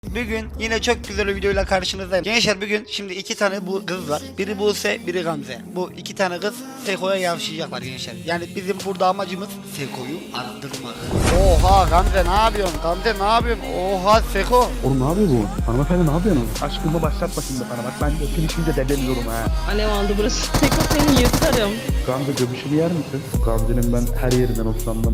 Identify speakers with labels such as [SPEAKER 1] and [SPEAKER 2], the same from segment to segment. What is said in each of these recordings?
[SPEAKER 1] Bugün yine çok güzel bir videoyla karşınızdayım. Gençler bugün şimdi iki tane bu kız var. Biri Buse, biri Gamze. Bu iki tane kız Seko'ya yavşayacaklar gençler. Yani bizim burada amacımız Seko'yu arttırmak. Oha Gamze ne yapıyorsun? Gamze ne yapıyorsun? Oha Seko.
[SPEAKER 2] Oğlum ne yapıyor bu? Hanımefendi ne yapıyorsun? Aşkımı başlatma şimdi bana bak, ben de finişince deleniyorum ha.
[SPEAKER 3] Alev aldı burası. Seko seni yırtarım.
[SPEAKER 2] Gamze göbüşümü yer misin? Gamze'nin ben her yerinden hoşlandım.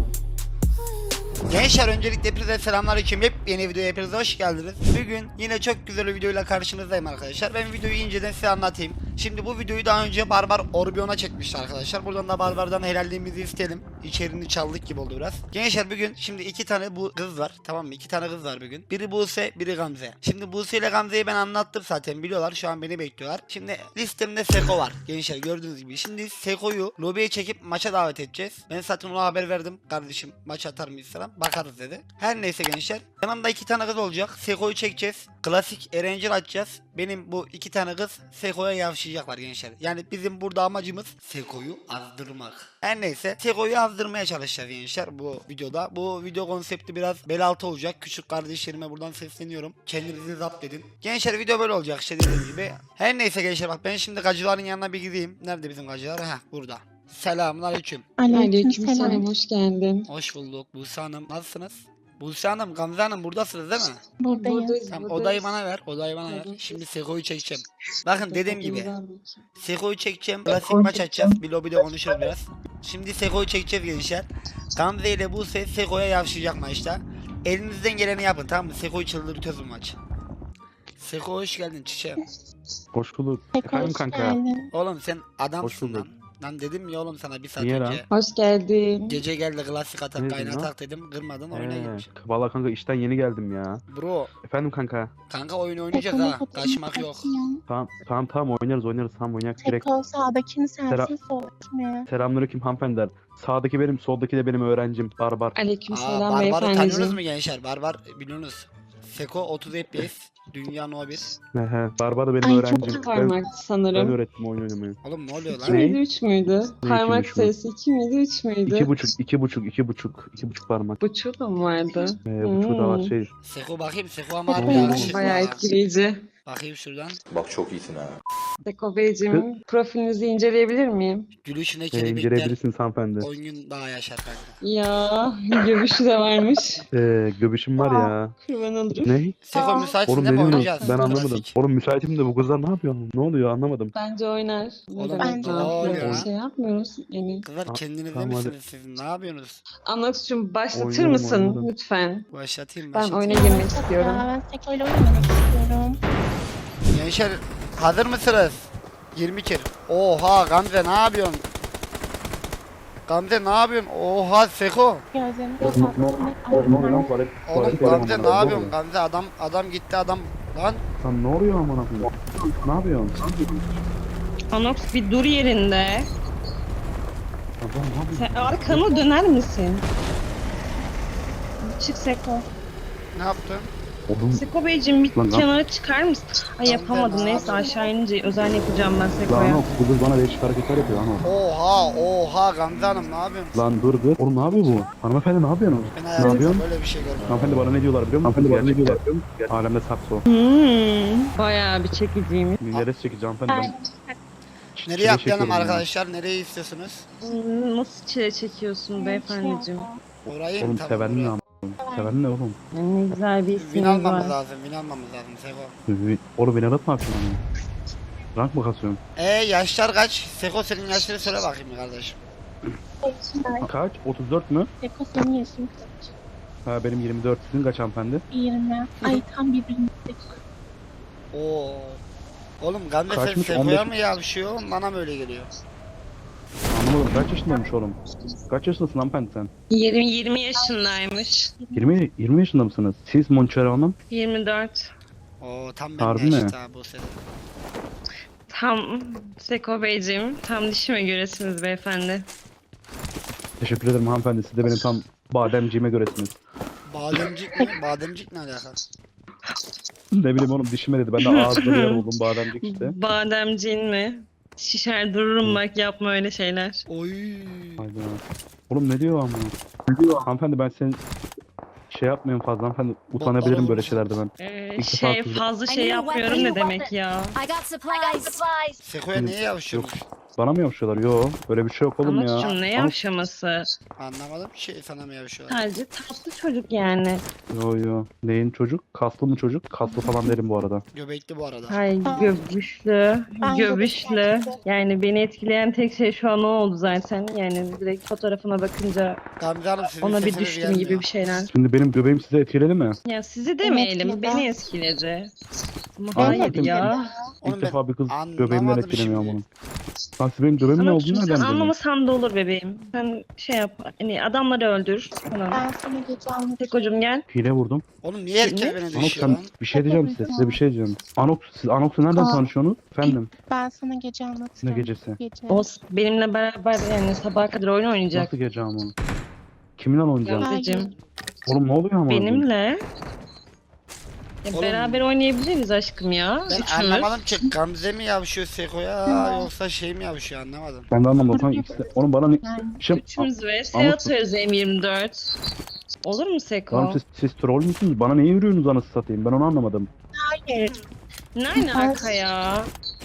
[SPEAKER 1] Gençler öncelikle hepinize selamünaleyküm. Yeni videoya hepinize hoş geldiniz. Bugün yine çok güzel bir videoyla karşınızdayım arkadaşlar. Ben videoyu inceden size anlatayım. Şimdi bu videoyu daha önce Barbar Orbion'a çekmişti arkadaşlar. Buradan da Barbar'dan helalliğimizi isteyelim. İçeriğini çaldık gibi oldu biraz. Gençler bugün şimdi iki tane bu kız var. Tamam mı? İki tane kız var bugün. Biri Buse, biri Gamze. Şimdi Buse ile Gamze'yi ben anlattım zaten, biliyorlar. Şu an beni bekliyorlar. Şimdi listemde Seko var. Gençler gördüğünüz gibi. Şimdi Seko'yu lobiye çekip maça davet edeceğiz. Ben zaten ona haber verdim. Kardeşim maç atar mıyız falan. Bakarız dedi. Her neyse gençler. Yanımda iki tane kız olacak. Seko'yu çekeceğiz. Klasik Erencil açacağız. Benim bu iki tane kız Seko'ya yavşayacaklar gençler. Yani bizim burada amacımız Seko'yu azdırmak. Her neyse Seko'yu azdırmaya çalışacağız gençler bu videoda. Bu video konsepti biraz bel altı olacak. Küçük kardeşlerime buradan sesleniyorum. Kendinizi zapt edin. Gençler video böyle olacak işte dediğim gibi. Her neyse gençler bak ben şimdi gacıların yanına bir gideyim. Nerede bizim gacılar? Heh burada. Selamünaleyküm.
[SPEAKER 3] Aleykümselam, hoş geldin.
[SPEAKER 1] Hoş bulduk Buse Hanım. Nasılsınız? Buse Hanım, Gamze Hanım buradasınız değil mi?
[SPEAKER 3] Buradayız.
[SPEAKER 1] Tamam odayı bana ver. Odayı bana ver. Şimdi Seko'yu çekeceğim. Bakın dediğim gibi. Seko'yu çekeceğim. Klasik maç açacağız. Bir lobide konuşuruz biraz. Şimdi Seko'yu çekeceğiz gençler. Gamze ile Buse Seko'ya yavşayacak maçta. Elinizden geleni yapın tamam mı? Seko'yu çıldırtıyoruz bu maç. Seko hoş geldin çiçeğim.
[SPEAKER 2] Hoş bulduk. Efendim kanka.
[SPEAKER 1] Oğlum sen
[SPEAKER 2] Hoş
[SPEAKER 1] adamsın
[SPEAKER 2] bulduk.
[SPEAKER 1] lan. Lan dedim ya oğlum sana bir saat
[SPEAKER 2] Niye lan?
[SPEAKER 1] önce.
[SPEAKER 3] Hoş geldin.
[SPEAKER 1] Gece geldi klasik atak
[SPEAKER 2] Ne
[SPEAKER 1] kaynatak dedim. Kırmadın oyuna gitmiş.
[SPEAKER 2] Valla kanka işten yeni geldim ya.
[SPEAKER 1] Bro
[SPEAKER 2] Efendim kanka.
[SPEAKER 1] kanka oyun oynayacağız ha. Kaçmak yok.
[SPEAKER 2] Tamam oynarız tamam oynayak direkt.
[SPEAKER 4] Seko sağdakini
[SPEAKER 2] Sera-
[SPEAKER 4] sensin soldakini.
[SPEAKER 2] Selamünaleyküm hanımefendiler. Sağdaki benim, soldaki de benim öğrencim Barbar.
[SPEAKER 3] Aleykümselam
[SPEAKER 1] Barbar'ı tanıyorsunuz
[SPEAKER 3] beyefendiciğim.
[SPEAKER 1] mu gençler? Barbar biliyorsunuz. Seko 30 FPS. Dünya No 1.
[SPEAKER 2] Barbar da benim
[SPEAKER 4] Ay,
[SPEAKER 2] öğrencim.
[SPEAKER 4] çok
[SPEAKER 3] İki
[SPEAKER 2] Ben
[SPEAKER 3] parmaktı sanırım.
[SPEAKER 2] öğrettim oyun oynamayı.
[SPEAKER 1] Oğlum ne oluyor
[SPEAKER 3] 2
[SPEAKER 1] lan?
[SPEAKER 3] miydi 3 müydü?
[SPEAKER 2] Ne
[SPEAKER 3] Parmak
[SPEAKER 2] ikiymiş bu?
[SPEAKER 3] sayısı 2 miydi 3 müydü?
[SPEAKER 2] 2,5 parmak.
[SPEAKER 3] Buçuğu da mı vardı?
[SPEAKER 2] Buçuğu da var şey.
[SPEAKER 1] Seko bakayım. Seko ama harbi
[SPEAKER 4] Hmm,
[SPEAKER 1] yakışıklı
[SPEAKER 3] Bayağı
[SPEAKER 1] ha.
[SPEAKER 3] etkileyici.
[SPEAKER 1] Bakayım şuradan.
[SPEAKER 5] Bak çok iyisin ha.
[SPEAKER 3] Seko Beyciğim, profilinizi inceleyebilir miyim?
[SPEAKER 1] Gülüşüne kelebekler.
[SPEAKER 2] İnceleyebilirsiniz hanımefendi.
[SPEAKER 1] 10 gün daha yaşar kanka.
[SPEAKER 3] Ya, göbüşü de varmış.
[SPEAKER 2] Göbüşüm var ya.
[SPEAKER 3] Kurban olurum.
[SPEAKER 2] Ne?
[SPEAKER 1] Seko müsaitsin
[SPEAKER 2] Oğlum
[SPEAKER 1] değil
[SPEAKER 2] ne
[SPEAKER 1] mi?
[SPEAKER 2] diyorsunuz?
[SPEAKER 1] Oynayacağız.
[SPEAKER 2] Ben anlamadım.
[SPEAKER 1] Klasik.
[SPEAKER 2] Oğlum müsaitim de bu kızlar ne yapıyor? Ne oluyor anlamadım.
[SPEAKER 3] Bence oynar. Ne
[SPEAKER 1] Oğlum,
[SPEAKER 3] demek
[SPEAKER 4] bence
[SPEAKER 3] ne
[SPEAKER 4] de
[SPEAKER 3] yapıyoruz?
[SPEAKER 1] oynar.
[SPEAKER 3] Bir şey yapmıyoruz. Yani.
[SPEAKER 1] Kızlar kendinize
[SPEAKER 2] tamam, hadi.
[SPEAKER 1] misiniz siz? Ne yapıyorsunuz?
[SPEAKER 3] Anlatsın başlatır
[SPEAKER 2] Oynuyorum,
[SPEAKER 3] mısın
[SPEAKER 2] oynadım.
[SPEAKER 3] lütfen?
[SPEAKER 1] Başlatayım
[SPEAKER 3] Ben
[SPEAKER 1] başlatayım.
[SPEAKER 3] oyuna girmek istiyorum.
[SPEAKER 4] Ya ben Seko'yla oynamak istiyorum.
[SPEAKER 1] Gençler hazır mısınız? 20 kere. Oha Gamze ne yapıyorsun? Gamze ne yapıyorsun? Oha Seko.
[SPEAKER 4] Gözlerimi
[SPEAKER 2] Oğlum
[SPEAKER 1] Oğlum Gamze ne yapıyorsun? Gamze adam gitti adam. Lan
[SPEAKER 2] Lan ne oluyor amına koyayım? Ne yapıyorsun?
[SPEAKER 3] Anox bir dur yerinde.
[SPEAKER 2] Adam ne yapıyor?
[SPEAKER 3] Sen arkana döner misin? Çık Seko.
[SPEAKER 1] ne yaptın?
[SPEAKER 2] Oğlum
[SPEAKER 3] Seko Beyciğim bir
[SPEAKER 2] Lan, lan.
[SPEAKER 3] kenara çıkar mısın? Ay yapamadım neyse aşağı inince özel yapacağım ben Seko'ya.
[SPEAKER 2] lan bu kız bana değişik hareketler yapıyor lan o.
[SPEAKER 1] Oha Gamze Hanım ne yapıyorsun?
[SPEAKER 2] Lan dur kız. Oğlum ne yapıyor bu? Hanımefendi ne yapıyorsun?
[SPEAKER 1] Ben
[SPEAKER 2] Ne
[SPEAKER 1] hayatımda
[SPEAKER 2] yapıyorsun?
[SPEAKER 1] böyle bir şey görmedim.
[SPEAKER 2] Hanımefendi bana ne diyorlar biliyor musun? Hanımefendi bana ne diyorlar biliyor musun? Alemde sakso.
[SPEAKER 3] Bayağı bir çekiciymiş.
[SPEAKER 2] Neresi çekici hanımefendi ben?
[SPEAKER 1] Nereye atlayalım
[SPEAKER 2] çekiyorum ya.
[SPEAKER 1] arkadaşlar? Nereyi istiyorsunuz?
[SPEAKER 3] Nasıl çile çekiyorsun beyefendiciğim?
[SPEAKER 1] Orayı mı?
[SPEAKER 2] Oğlum
[SPEAKER 1] Tamam,
[SPEAKER 2] seven ne
[SPEAKER 1] oraya.
[SPEAKER 2] am? Seven ne oğlum?
[SPEAKER 3] Ne güzel bir
[SPEAKER 1] Win
[SPEAKER 3] isminiz
[SPEAKER 1] almamız
[SPEAKER 3] var.
[SPEAKER 1] lazım. Win almamız lazım Seko.
[SPEAKER 2] Oğlum beni aratma yapıyorsun hani. Rank mı kasıyorsun?
[SPEAKER 1] Yaşlar kaç? Seko senin yaşları söyle bakayım kardeşim.
[SPEAKER 2] Kaç? 34 mü?
[SPEAKER 4] Seko senin yaşın kaç?
[SPEAKER 2] Ha benim 24. Sizin kaç hanımefendi?
[SPEAKER 4] 20. Ay tam birbirine.
[SPEAKER 1] Oo. Oğlum Gamze sen
[SPEAKER 2] Kaçmış?
[SPEAKER 1] Seko'ya
[SPEAKER 2] 15.
[SPEAKER 1] mı yavşıyor? Bana mı öyle geliyor?
[SPEAKER 2] Anlamadım. Kaç yaşındaymış oğlum? Kaç yaşındasın hanımefendi sen?
[SPEAKER 3] 20 yaşındaymış.
[SPEAKER 2] 20 yaşında mısınız? Siz Monçero Hanım?
[SPEAKER 3] 24.
[SPEAKER 1] Oo tam
[SPEAKER 2] Harbi
[SPEAKER 1] benim
[SPEAKER 2] mi?
[SPEAKER 1] yaşta bu sene.
[SPEAKER 3] Tam Seko Beyciğim, tam dişime göresiniz beyefendi.
[SPEAKER 2] Teşekkür ederim hanımefendi. Siz de benim tam bademciğime göresiniz.
[SPEAKER 1] Bademcik mi? Bademcik ne alaka?
[SPEAKER 2] Ne bileyim oğlum dişime dedi. Ben de ağzına yer oldum bademcik işte.
[SPEAKER 3] Bademciğin mi? Şişer dururum bak yapma öyle şeyler.
[SPEAKER 1] Oy.
[SPEAKER 2] Hayda. Oğlum ne diyor ama? Ne diyor? Hanımefendi ben senin şey yapmayın fazla hanımefendi. Utanabilirim böyle şeylerde ben. İlk defa kızım.
[SPEAKER 3] Fazla şey yapmıyorum ne demek ya?
[SPEAKER 5] I got supplies.
[SPEAKER 1] Seko'ya niye yavşıyormuş?
[SPEAKER 2] Bana mı yapışıyorlar? Yo böyle bir şey yok oğlum ya.
[SPEAKER 3] Anlatçım ne yavşaması?
[SPEAKER 1] Anlamadım ki şey sana mı yavşıyorlar?
[SPEAKER 3] Sadece tatlı çocuk yani.
[SPEAKER 2] Yo. Neyin çocuk? Kaslı mı çocuk? Kaslı falan derim bu arada.
[SPEAKER 1] Göbekli bu arada.
[SPEAKER 3] Hay göbüşlü,
[SPEAKER 4] Ben
[SPEAKER 3] göbüşlü.
[SPEAKER 4] göbekli.
[SPEAKER 3] Yani beni etkileyen tek şey şu an o oldu zaten. Yani direkt fotoğrafına bakınca
[SPEAKER 1] Gamze Hanım sizin
[SPEAKER 3] ona bir
[SPEAKER 1] sesiniz
[SPEAKER 3] düştüm
[SPEAKER 1] gelmiyor.
[SPEAKER 3] gibi bir şeyler.
[SPEAKER 2] Şimdi benim göbeğim size etkiledi mi?
[SPEAKER 3] Ya sizi demeyelim,
[SPEAKER 4] etkiledi.
[SPEAKER 3] beni etkiledi. Ama
[SPEAKER 2] Aynen.
[SPEAKER 3] hayır ya.
[SPEAKER 1] Oğlum
[SPEAKER 2] İlk
[SPEAKER 1] ben
[SPEAKER 2] defa bir kız
[SPEAKER 1] anlamadım
[SPEAKER 2] göbeğimden etkilemiyor
[SPEAKER 1] şimdi.
[SPEAKER 2] bunun. Lan siz benim göbeğim ne
[SPEAKER 3] Ama
[SPEAKER 2] olduğunu
[SPEAKER 3] sen
[SPEAKER 2] nereden biliyorsun?
[SPEAKER 3] anlamasan da olur bebeğim. Sen şey yap, hani adamları öldür falan.
[SPEAKER 4] Ben sana gece anlatacağım.
[SPEAKER 3] Tekocum gel.
[SPEAKER 2] Hile vurdum.
[SPEAKER 1] Oğlum niye herkes
[SPEAKER 3] Ne?
[SPEAKER 1] beni
[SPEAKER 2] Anox
[SPEAKER 1] düşüyor
[SPEAKER 2] sen
[SPEAKER 1] lan?
[SPEAKER 2] bir şey diyeceğim size bir şey diyeceğim. Anox siz Anox'u nereden
[SPEAKER 4] Aa.
[SPEAKER 2] tanışıyorsunuz? Efendim
[SPEAKER 4] Ben sana gece
[SPEAKER 2] ne
[SPEAKER 4] anlatacağım.
[SPEAKER 2] gecesi?
[SPEAKER 4] Gece.
[SPEAKER 3] O benimle beraber yani sabaha kadar oyun oynayacak.
[SPEAKER 2] Nasıl gece ama? Kiminle oynayacağım?
[SPEAKER 3] Gamzeciğim.
[SPEAKER 2] Oğlum ne oluyor ama?
[SPEAKER 3] Benimle. Ya
[SPEAKER 1] Oğlum,
[SPEAKER 3] beraber oynayabiliriz aşkım ya.
[SPEAKER 1] Ben
[SPEAKER 3] Üçümüz.
[SPEAKER 1] anlamadım ki Gamze mi yavşıyor Seko'ya yoksa şey mi yavşıyor anlamadım.
[SPEAKER 2] Ben de anlamadım. Sen ikisi... Oğlum bana ne...
[SPEAKER 4] Yani
[SPEAKER 2] Şimdi...
[SPEAKER 3] Üçümüz vs
[SPEAKER 2] Anladım.
[SPEAKER 3] atıyoruz M24. Olur mu Seko?
[SPEAKER 2] Oğlum siz troll müsünüz? Bana niye yürüyorsunuz anasını satayım? Ben onu anlamadım.
[SPEAKER 4] hayır.
[SPEAKER 3] Ne alaka ya?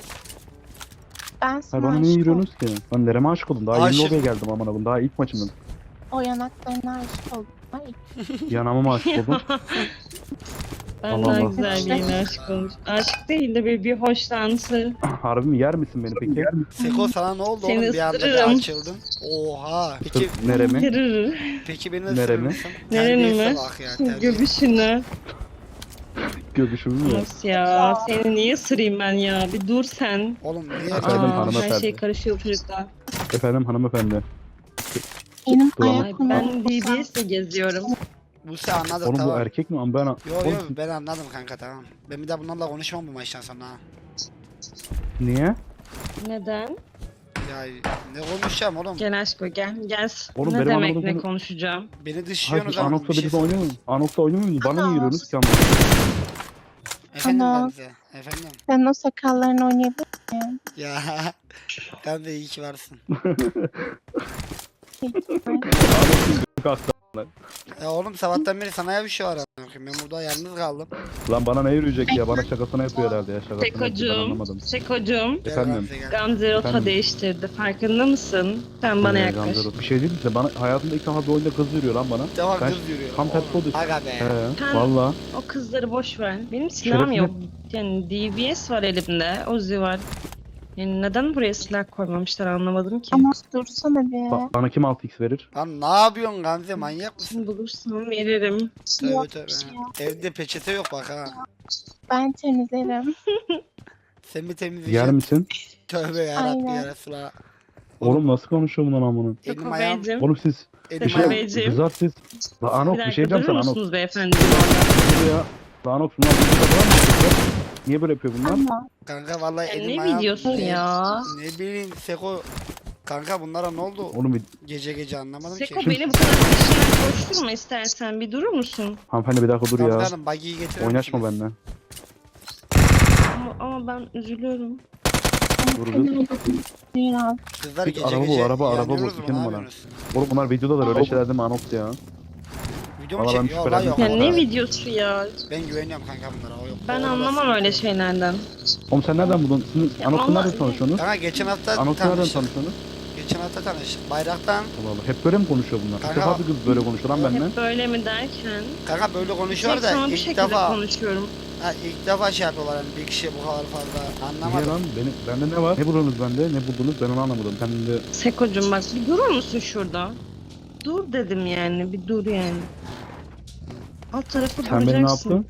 [SPEAKER 4] Ben
[SPEAKER 2] Hayır
[SPEAKER 4] sana
[SPEAKER 2] bana niye
[SPEAKER 4] aşık oldum.
[SPEAKER 2] yürüyorsunuz ki? Ben nereme aşık oldum? Daha yeni
[SPEAKER 1] Aşık.
[SPEAKER 2] odaya geldim aman abim. Daha ilk maçımdan.
[SPEAKER 4] O yanaklarına aşık oldum. Hayır.
[SPEAKER 2] Yanağıma mı aşık oldum?
[SPEAKER 3] Ben
[SPEAKER 2] Allah
[SPEAKER 3] daha
[SPEAKER 2] Allah.
[SPEAKER 3] güzel birine aşık olmuş. Aşık değil de bir hoşlantı.
[SPEAKER 2] Harbi mi? Yer misin beni peki?
[SPEAKER 1] Seko sana ne oldu
[SPEAKER 3] Seni
[SPEAKER 1] oğlum bir anda bir
[SPEAKER 3] ısırırım.
[SPEAKER 1] açıldın? Oha. Peki,
[SPEAKER 2] Neremi?
[SPEAKER 3] Tırırır.
[SPEAKER 1] peki beni
[SPEAKER 2] Neremi?
[SPEAKER 1] ısırır mısın?
[SPEAKER 3] Nereni
[SPEAKER 1] Terbiyesize
[SPEAKER 3] mi?
[SPEAKER 1] bak ya terbiyesiz.
[SPEAKER 3] Göbüşünü.
[SPEAKER 2] Göbüşümü mü?
[SPEAKER 3] Nasıl ya? Seni niye ısırayım ben ya? Bir dur sen.
[SPEAKER 1] Oğlum niye
[SPEAKER 2] Efendim,
[SPEAKER 3] Aa, her
[SPEAKER 2] hanımefendi.
[SPEAKER 3] şey karışıyor çocuklar.
[SPEAKER 2] Efendim hanımefendi.
[SPEAKER 4] Benim
[SPEAKER 2] Dur ama.
[SPEAKER 3] Ay,
[SPEAKER 4] ayaklarım.
[SPEAKER 3] ben DBS'le geziyorum.
[SPEAKER 1] Buse anladım
[SPEAKER 2] Oğlum bu
[SPEAKER 1] tamam.
[SPEAKER 2] erkek mi? Ama ben...
[SPEAKER 1] Yo yo
[SPEAKER 2] Oğlum,
[SPEAKER 1] ben anladım kanka tamam. Ben bir daha bunlarla konuşmam bu maçtan sonra ha.
[SPEAKER 2] niye?
[SPEAKER 3] Neden?
[SPEAKER 1] Ya ne konuşacağım oğlum?
[SPEAKER 3] Gel aşko gel. Gel.
[SPEAKER 2] Oğlum,
[SPEAKER 3] Ne
[SPEAKER 2] benim
[SPEAKER 3] demek
[SPEAKER 2] anladığım
[SPEAKER 3] ne
[SPEAKER 2] konu-
[SPEAKER 3] konuşacağım?
[SPEAKER 1] Beni
[SPEAKER 2] Hayır
[SPEAKER 1] dışlıyorsunuz
[SPEAKER 2] siz
[SPEAKER 1] ama
[SPEAKER 2] Anox'la
[SPEAKER 1] bir şey
[SPEAKER 2] birlikte oynuyor musunuz? Anox'la oynuyor musunuz? Bana niye
[SPEAKER 4] Ana.
[SPEAKER 2] yürüyorsunuz ki ama?
[SPEAKER 1] Efendim
[SPEAKER 4] Ana.
[SPEAKER 1] Gamze. Efendim.
[SPEAKER 4] Sen o sakallarını oynayabilir misin?
[SPEAKER 1] Ya Gamze iyi ki varsın.
[SPEAKER 2] Anox'un kalktı.
[SPEAKER 1] Ya oğlum sabahtan beri sana bir şey var anlatıyorum. Ben burada yalnız kaldım.
[SPEAKER 2] Lan bana ne yürüyecek ya? Bana şakasını yapıyor herhalde ya. Şakasını yapıyor ben
[SPEAKER 3] Sekocuğum.
[SPEAKER 2] anlamadım.
[SPEAKER 3] Sekocuğum.
[SPEAKER 1] Gel
[SPEAKER 2] Efendim?
[SPEAKER 1] Gamze gel.
[SPEAKER 3] Gamze rota
[SPEAKER 2] Efendim?
[SPEAKER 3] değiştirdi. Farkında mısın? Sen bana yaklaş.
[SPEAKER 2] Gamze Rot. Bir şey değil mi size? Bana hayatımda ilk defa bir oyunda kız yürüyor lan bana.
[SPEAKER 1] Devam
[SPEAKER 2] Ben
[SPEAKER 1] kız yürüyor.
[SPEAKER 2] tam tersi
[SPEAKER 1] Oğlum,
[SPEAKER 2] oldu.
[SPEAKER 1] Aga be.
[SPEAKER 2] He,
[SPEAKER 3] Ha.
[SPEAKER 2] valla.
[SPEAKER 3] O kızları boş ver. Benim silahım
[SPEAKER 2] Şerefine-
[SPEAKER 3] yok. Yani DBS var elimde. Uzi var. Yani neden buraya silah koymamışlar anlamadım ki.
[SPEAKER 4] Ama dursana bir.
[SPEAKER 2] Bana kim 6x verir?
[SPEAKER 1] Lan ne yapıyorsun Gamze manyak mısın?
[SPEAKER 3] Şimdi bulursam veririm.
[SPEAKER 1] Tövbe
[SPEAKER 4] Yok
[SPEAKER 1] tövbe.
[SPEAKER 4] bir şey yok.
[SPEAKER 1] Evde peçete yok bak ha.
[SPEAKER 4] Ben temizlerim.
[SPEAKER 1] Sen mi
[SPEAKER 2] Yer
[SPEAKER 1] temizleyeceksin?
[SPEAKER 2] misin?
[SPEAKER 1] Tövbe yarabbim
[SPEAKER 4] Aynen.
[SPEAKER 1] ya Resulallah.
[SPEAKER 2] Oğlum nasıl konuşuyor bundan amına?
[SPEAKER 1] Elim ayağım.
[SPEAKER 3] Beyciğim.
[SPEAKER 2] Oğlum siz
[SPEAKER 1] Elim
[SPEAKER 2] bir şey
[SPEAKER 3] Beyciğim.
[SPEAKER 2] kızar siz. La Anox
[SPEAKER 3] Bir
[SPEAKER 2] bir şey
[SPEAKER 3] dakika
[SPEAKER 2] diyeceğim
[SPEAKER 3] durur
[SPEAKER 2] sana Anox.
[SPEAKER 3] musunuz beyefendi? bu arada?
[SPEAKER 2] Dur ya. La Anox bunlar bir şey var mı? Niye böyle yapıyor bunlar?
[SPEAKER 4] Ama
[SPEAKER 1] Kanka vallahi
[SPEAKER 3] Ya
[SPEAKER 1] elim
[SPEAKER 3] ne
[SPEAKER 1] ayağım.
[SPEAKER 3] videosu ya?
[SPEAKER 1] Ne bileyim Seko. Kanka bunlara ne oldu?
[SPEAKER 2] Oğlum bir
[SPEAKER 1] Gece gece anlamadım
[SPEAKER 3] Seko
[SPEAKER 1] ki.
[SPEAKER 3] beni bu kadar peşinden koşturma istersen bir durur musun?
[SPEAKER 2] hanımefendi bir dakika dur
[SPEAKER 1] Gamze
[SPEAKER 2] ya.
[SPEAKER 1] Hanım buggy'yi getirir
[SPEAKER 2] Oynaşma
[SPEAKER 1] misiniz?
[SPEAKER 2] benden.
[SPEAKER 3] Ama ben üzülüyorum.
[SPEAKER 2] Vururuz.
[SPEAKER 4] biraz.
[SPEAKER 1] Kızlar
[SPEAKER 2] Git,
[SPEAKER 1] gece
[SPEAKER 2] araba bul,
[SPEAKER 1] gece
[SPEAKER 2] araba bul,
[SPEAKER 1] yanıyorsunuz mu,
[SPEAKER 2] iki
[SPEAKER 1] ne
[SPEAKER 2] numara.
[SPEAKER 1] yapıyorsunuz?
[SPEAKER 2] Oğlum bunlar videodalar öyle şeyler değil mi Anox ya?
[SPEAKER 1] Video mu
[SPEAKER 2] Valla ben
[SPEAKER 1] çekiyor? Valla yok.
[SPEAKER 3] Ya
[SPEAKER 2] şüphelendim.
[SPEAKER 3] ne
[SPEAKER 1] valla.
[SPEAKER 3] videosu ya?
[SPEAKER 1] Ben güveniyorum kanka bunlara. O yok.
[SPEAKER 3] Ben
[SPEAKER 1] O
[SPEAKER 3] anlamam
[SPEAKER 1] orası.
[SPEAKER 3] öyle şeylerden.
[SPEAKER 2] Oğlum sen nereden buldun? Sizin
[SPEAKER 3] Ya
[SPEAKER 2] Anox'la
[SPEAKER 3] ama-
[SPEAKER 2] nereden tanışıyorsunuz?
[SPEAKER 1] Kanka geçen hafta
[SPEAKER 2] Anox'la nereden
[SPEAKER 1] tanıştık.
[SPEAKER 2] tanışıyorsunuz?
[SPEAKER 1] Geçen hafta tanıştık. Bayraktan.
[SPEAKER 2] Allah Allah. Hep böyle mi konuşuyor bunlar? İlk
[SPEAKER 1] Kanka-
[SPEAKER 2] defa bir kız böyle konuşuyor lan benden.
[SPEAKER 3] Hep böyle mi derken?
[SPEAKER 1] Kanka böyle konuşuyor
[SPEAKER 3] Tek
[SPEAKER 1] da
[SPEAKER 3] sana bu
[SPEAKER 1] ilk
[SPEAKER 3] şekilde
[SPEAKER 1] defa
[SPEAKER 3] konuşuyorum.
[SPEAKER 1] ilk defa şey yapıyorlar hani bir kişiye bu kadar fazla
[SPEAKER 2] Niye
[SPEAKER 1] anlamadım.
[SPEAKER 2] lan? Bende ne var? Ne buldunuz bende? Ne buldunuz? Ben onu anlamadım. Kendinde
[SPEAKER 3] Sekocuğum bak bir durur musun şurada? Dur dedim yani bir dur yani. Alt tarafı
[SPEAKER 2] sen beni ne
[SPEAKER 3] duracaksın.
[SPEAKER 2] yaptın?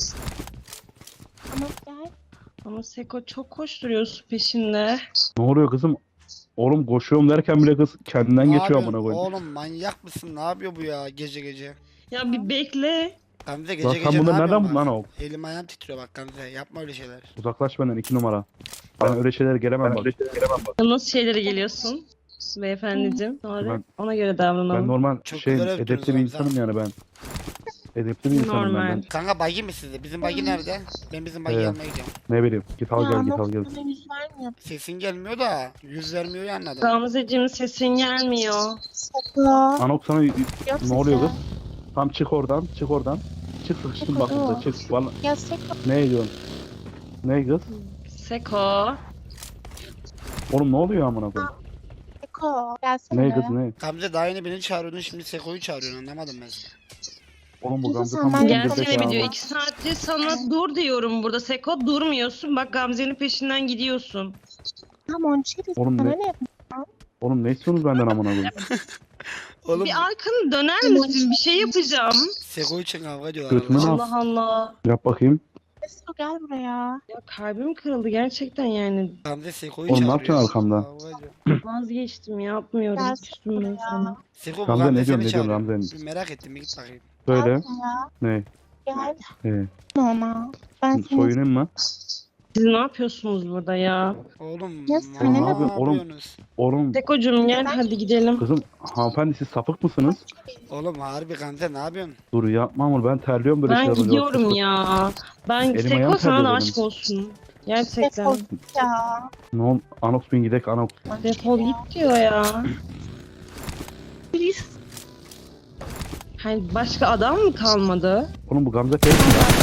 [SPEAKER 4] Ama gel.
[SPEAKER 3] Ama Seko çok koşturuyorsun peşinde.
[SPEAKER 2] Ne oluyor kızım? Oğlum koşuyorum derken bile kız kendinden
[SPEAKER 1] Ne
[SPEAKER 2] geçiyor
[SPEAKER 1] yapıyorsun?
[SPEAKER 2] amına koyayım.
[SPEAKER 1] Oğlum manyak mısın? Ne yapıyor bu ya gece gece?
[SPEAKER 3] Ya bir bekle.
[SPEAKER 1] Gamze gece
[SPEAKER 2] Lan
[SPEAKER 1] gece
[SPEAKER 2] sen
[SPEAKER 1] ne
[SPEAKER 2] bunları nereden
[SPEAKER 1] yapıyorsun
[SPEAKER 2] buldun lan
[SPEAKER 1] bak?
[SPEAKER 2] o?
[SPEAKER 1] Elim ayağım titriyor bak Gamze. Yapma öyle şeyler.
[SPEAKER 2] Uzaklaş benden 2 numara. Ben öyle şeylere gelemem bak.
[SPEAKER 3] Nasıl şeylere geliyorsun? Beyefendiciğim. Doğru.
[SPEAKER 2] Ben-
[SPEAKER 3] Ona göre
[SPEAKER 2] Ben
[SPEAKER 3] davranalım.
[SPEAKER 2] normal
[SPEAKER 1] Çok
[SPEAKER 2] şey
[SPEAKER 1] güzel yaptınız
[SPEAKER 2] edepli bir
[SPEAKER 1] oğlum,
[SPEAKER 2] insanım
[SPEAKER 1] sen.
[SPEAKER 2] yani ben. Edepli bir insanım
[SPEAKER 3] Normal.
[SPEAKER 2] ben.
[SPEAKER 1] Kanka buggy mi sizde? Bizim buggy nerede? Ben bizim buggy
[SPEAKER 2] Evet.
[SPEAKER 1] almaya gidiyorum.
[SPEAKER 2] Ne bileyim. Git al
[SPEAKER 4] Ya
[SPEAKER 2] gel git
[SPEAKER 4] ama
[SPEAKER 2] al gel.
[SPEAKER 4] bana yüz vermiyor.
[SPEAKER 1] Sesin gelmiyor da yüz vermiyor ya anladım.
[SPEAKER 3] Gamzeciğim sesin gelmiyor.
[SPEAKER 4] Sakla.
[SPEAKER 2] Anok sana
[SPEAKER 4] Yok
[SPEAKER 2] ne oluyor
[SPEAKER 4] sesi.
[SPEAKER 2] kız? Tam çık oradan, çık oradan. Çık sıkıştın bak burada, çık. Vallahi
[SPEAKER 4] Ya Seko.
[SPEAKER 2] ne diyorsun? Ne kız?
[SPEAKER 3] Seko.
[SPEAKER 2] Oğlum ne oluyor amına koyayım?
[SPEAKER 4] Seko. Gelsene.
[SPEAKER 2] Ne kız ne?
[SPEAKER 1] Gamze daha yeni beni çağırıyordun, şimdi Seko'yu çağırıyorsun, anlamadım ben seni.
[SPEAKER 2] Oğlum bu
[SPEAKER 4] Kızım
[SPEAKER 2] Gamze
[SPEAKER 4] sen
[SPEAKER 2] tam
[SPEAKER 4] ben-
[SPEAKER 2] bir
[SPEAKER 3] Gelsene
[SPEAKER 2] zekalı.
[SPEAKER 3] video 2 saattir sana dur diyorum burada Seko. Durmuyorsun. Bak Gamze'nin peşinden gidiyorsun.
[SPEAKER 4] Tamam onu çevir.
[SPEAKER 2] Oğlum
[SPEAKER 4] Bana
[SPEAKER 2] ne-
[SPEAKER 4] ne yapayım?
[SPEAKER 2] Oğlum ne istiyorsunuz benden amına koyayım?
[SPEAKER 1] Oğlum
[SPEAKER 3] Bir arkanı döner misin? Bir şey yapacağım.
[SPEAKER 1] Seko için kavga ediyorlar.
[SPEAKER 2] Götümü
[SPEAKER 1] Allah.
[SPEAKER 2] al.
[SPEAKER 3] Allah Allah.
[SPEAKER 2] Yap bakayım.
[SPEAKER 4] Seko gel buraya.
[SPEAKER 3] Ya kalbim kırıldı gerçekten yani.
[SPEAKER 1] Gamze Seko'yu
[SPEAKER 2] Oğlum ne
[SPEAKER 1] çağırıyor.
[SPEAKER 2] yapacaksın arkamda?
[SPEAKER 1] Kavga ediyor.
[SPEAKER 3] Vazgeçtim yapmıyorum.
[SPEAKER 4] Gel
[SPEAKER 3] Küstüm ben
[SPEAKER 4] buraya.
[SPEAKER 3] sana.
[SPEAKER 1] Seko bu
[SPEAKER 2] Gamze ne
[SPEAKER 1] Gamze
[SPEAKER 2] diyorsun,
[SPEAKER 1] seni
[SPEAKER 2] ne diyorsun
[SPEAKER 1] çağırıyor.
[SPEAKER 2] Gamze?
[SPEAKER 1] Bir merak ettim, bir git bakayım.
[SPEAKER 2] Söyle.
[SPEAKER 4] Gel buraya.
[SPEAKER 2] Ne?
[SPEAKER 4] Gel.
[SPEAKER 2] He.
[SPEAKER 4] Ona. Ben seni
[SPEAKER 2] Soyunayım mı?
[SPEAKER 3] Siz ne yapıyorsunuz burada ya?
[SPEAKER 1] Oğlum
[SPEAKER 4] Ya sen
[SPEAKER 1] ne
[SPEAKER 2] ne yapıyorsun oğlum?
[SPEAKER 1] yapıyorsunuz?
[SPEAKER 2] Oğlum
[SPEAKER 3] Seko'cum gel hadi gidelim.
[SPEAKER 2] kızım hanımefendi siz sapık mısınız?
[SPEAKER 1] Oğlum harbi Gamze ne yapıyorsun?
[SPEAKER 2] Dur yapma ama ben terliyorum böyle
[SPEAKER 3] Ben
[SPEAKER 2] şeyler oluyor.
[SPEAKER 3] gidiyorum ya. Ben
[SPEAKER 2] Elim
[SPEAKER 3] Seko
[SPEAKER 2] ayağım
[SPEAKER 3] sana da
[SPEAKER 2] terliyor
[SPEAKER 3] aşk
[SPEAKER 2] benim.
[SPEAKER 3] olsun. Gerçekten.
[SPEAKER 4] Seko ya.
[SPEAKER 2] Ne ol? Anox bin gidek Anox.
[SPEAKER 3] Defol git diyor ya.
[SPEAKER 4] Please.
[SPEAKER 3] Hani başka adam mı kalmadı?
[SPEAKER 2] Oğlum bu Gamze fake mi ya?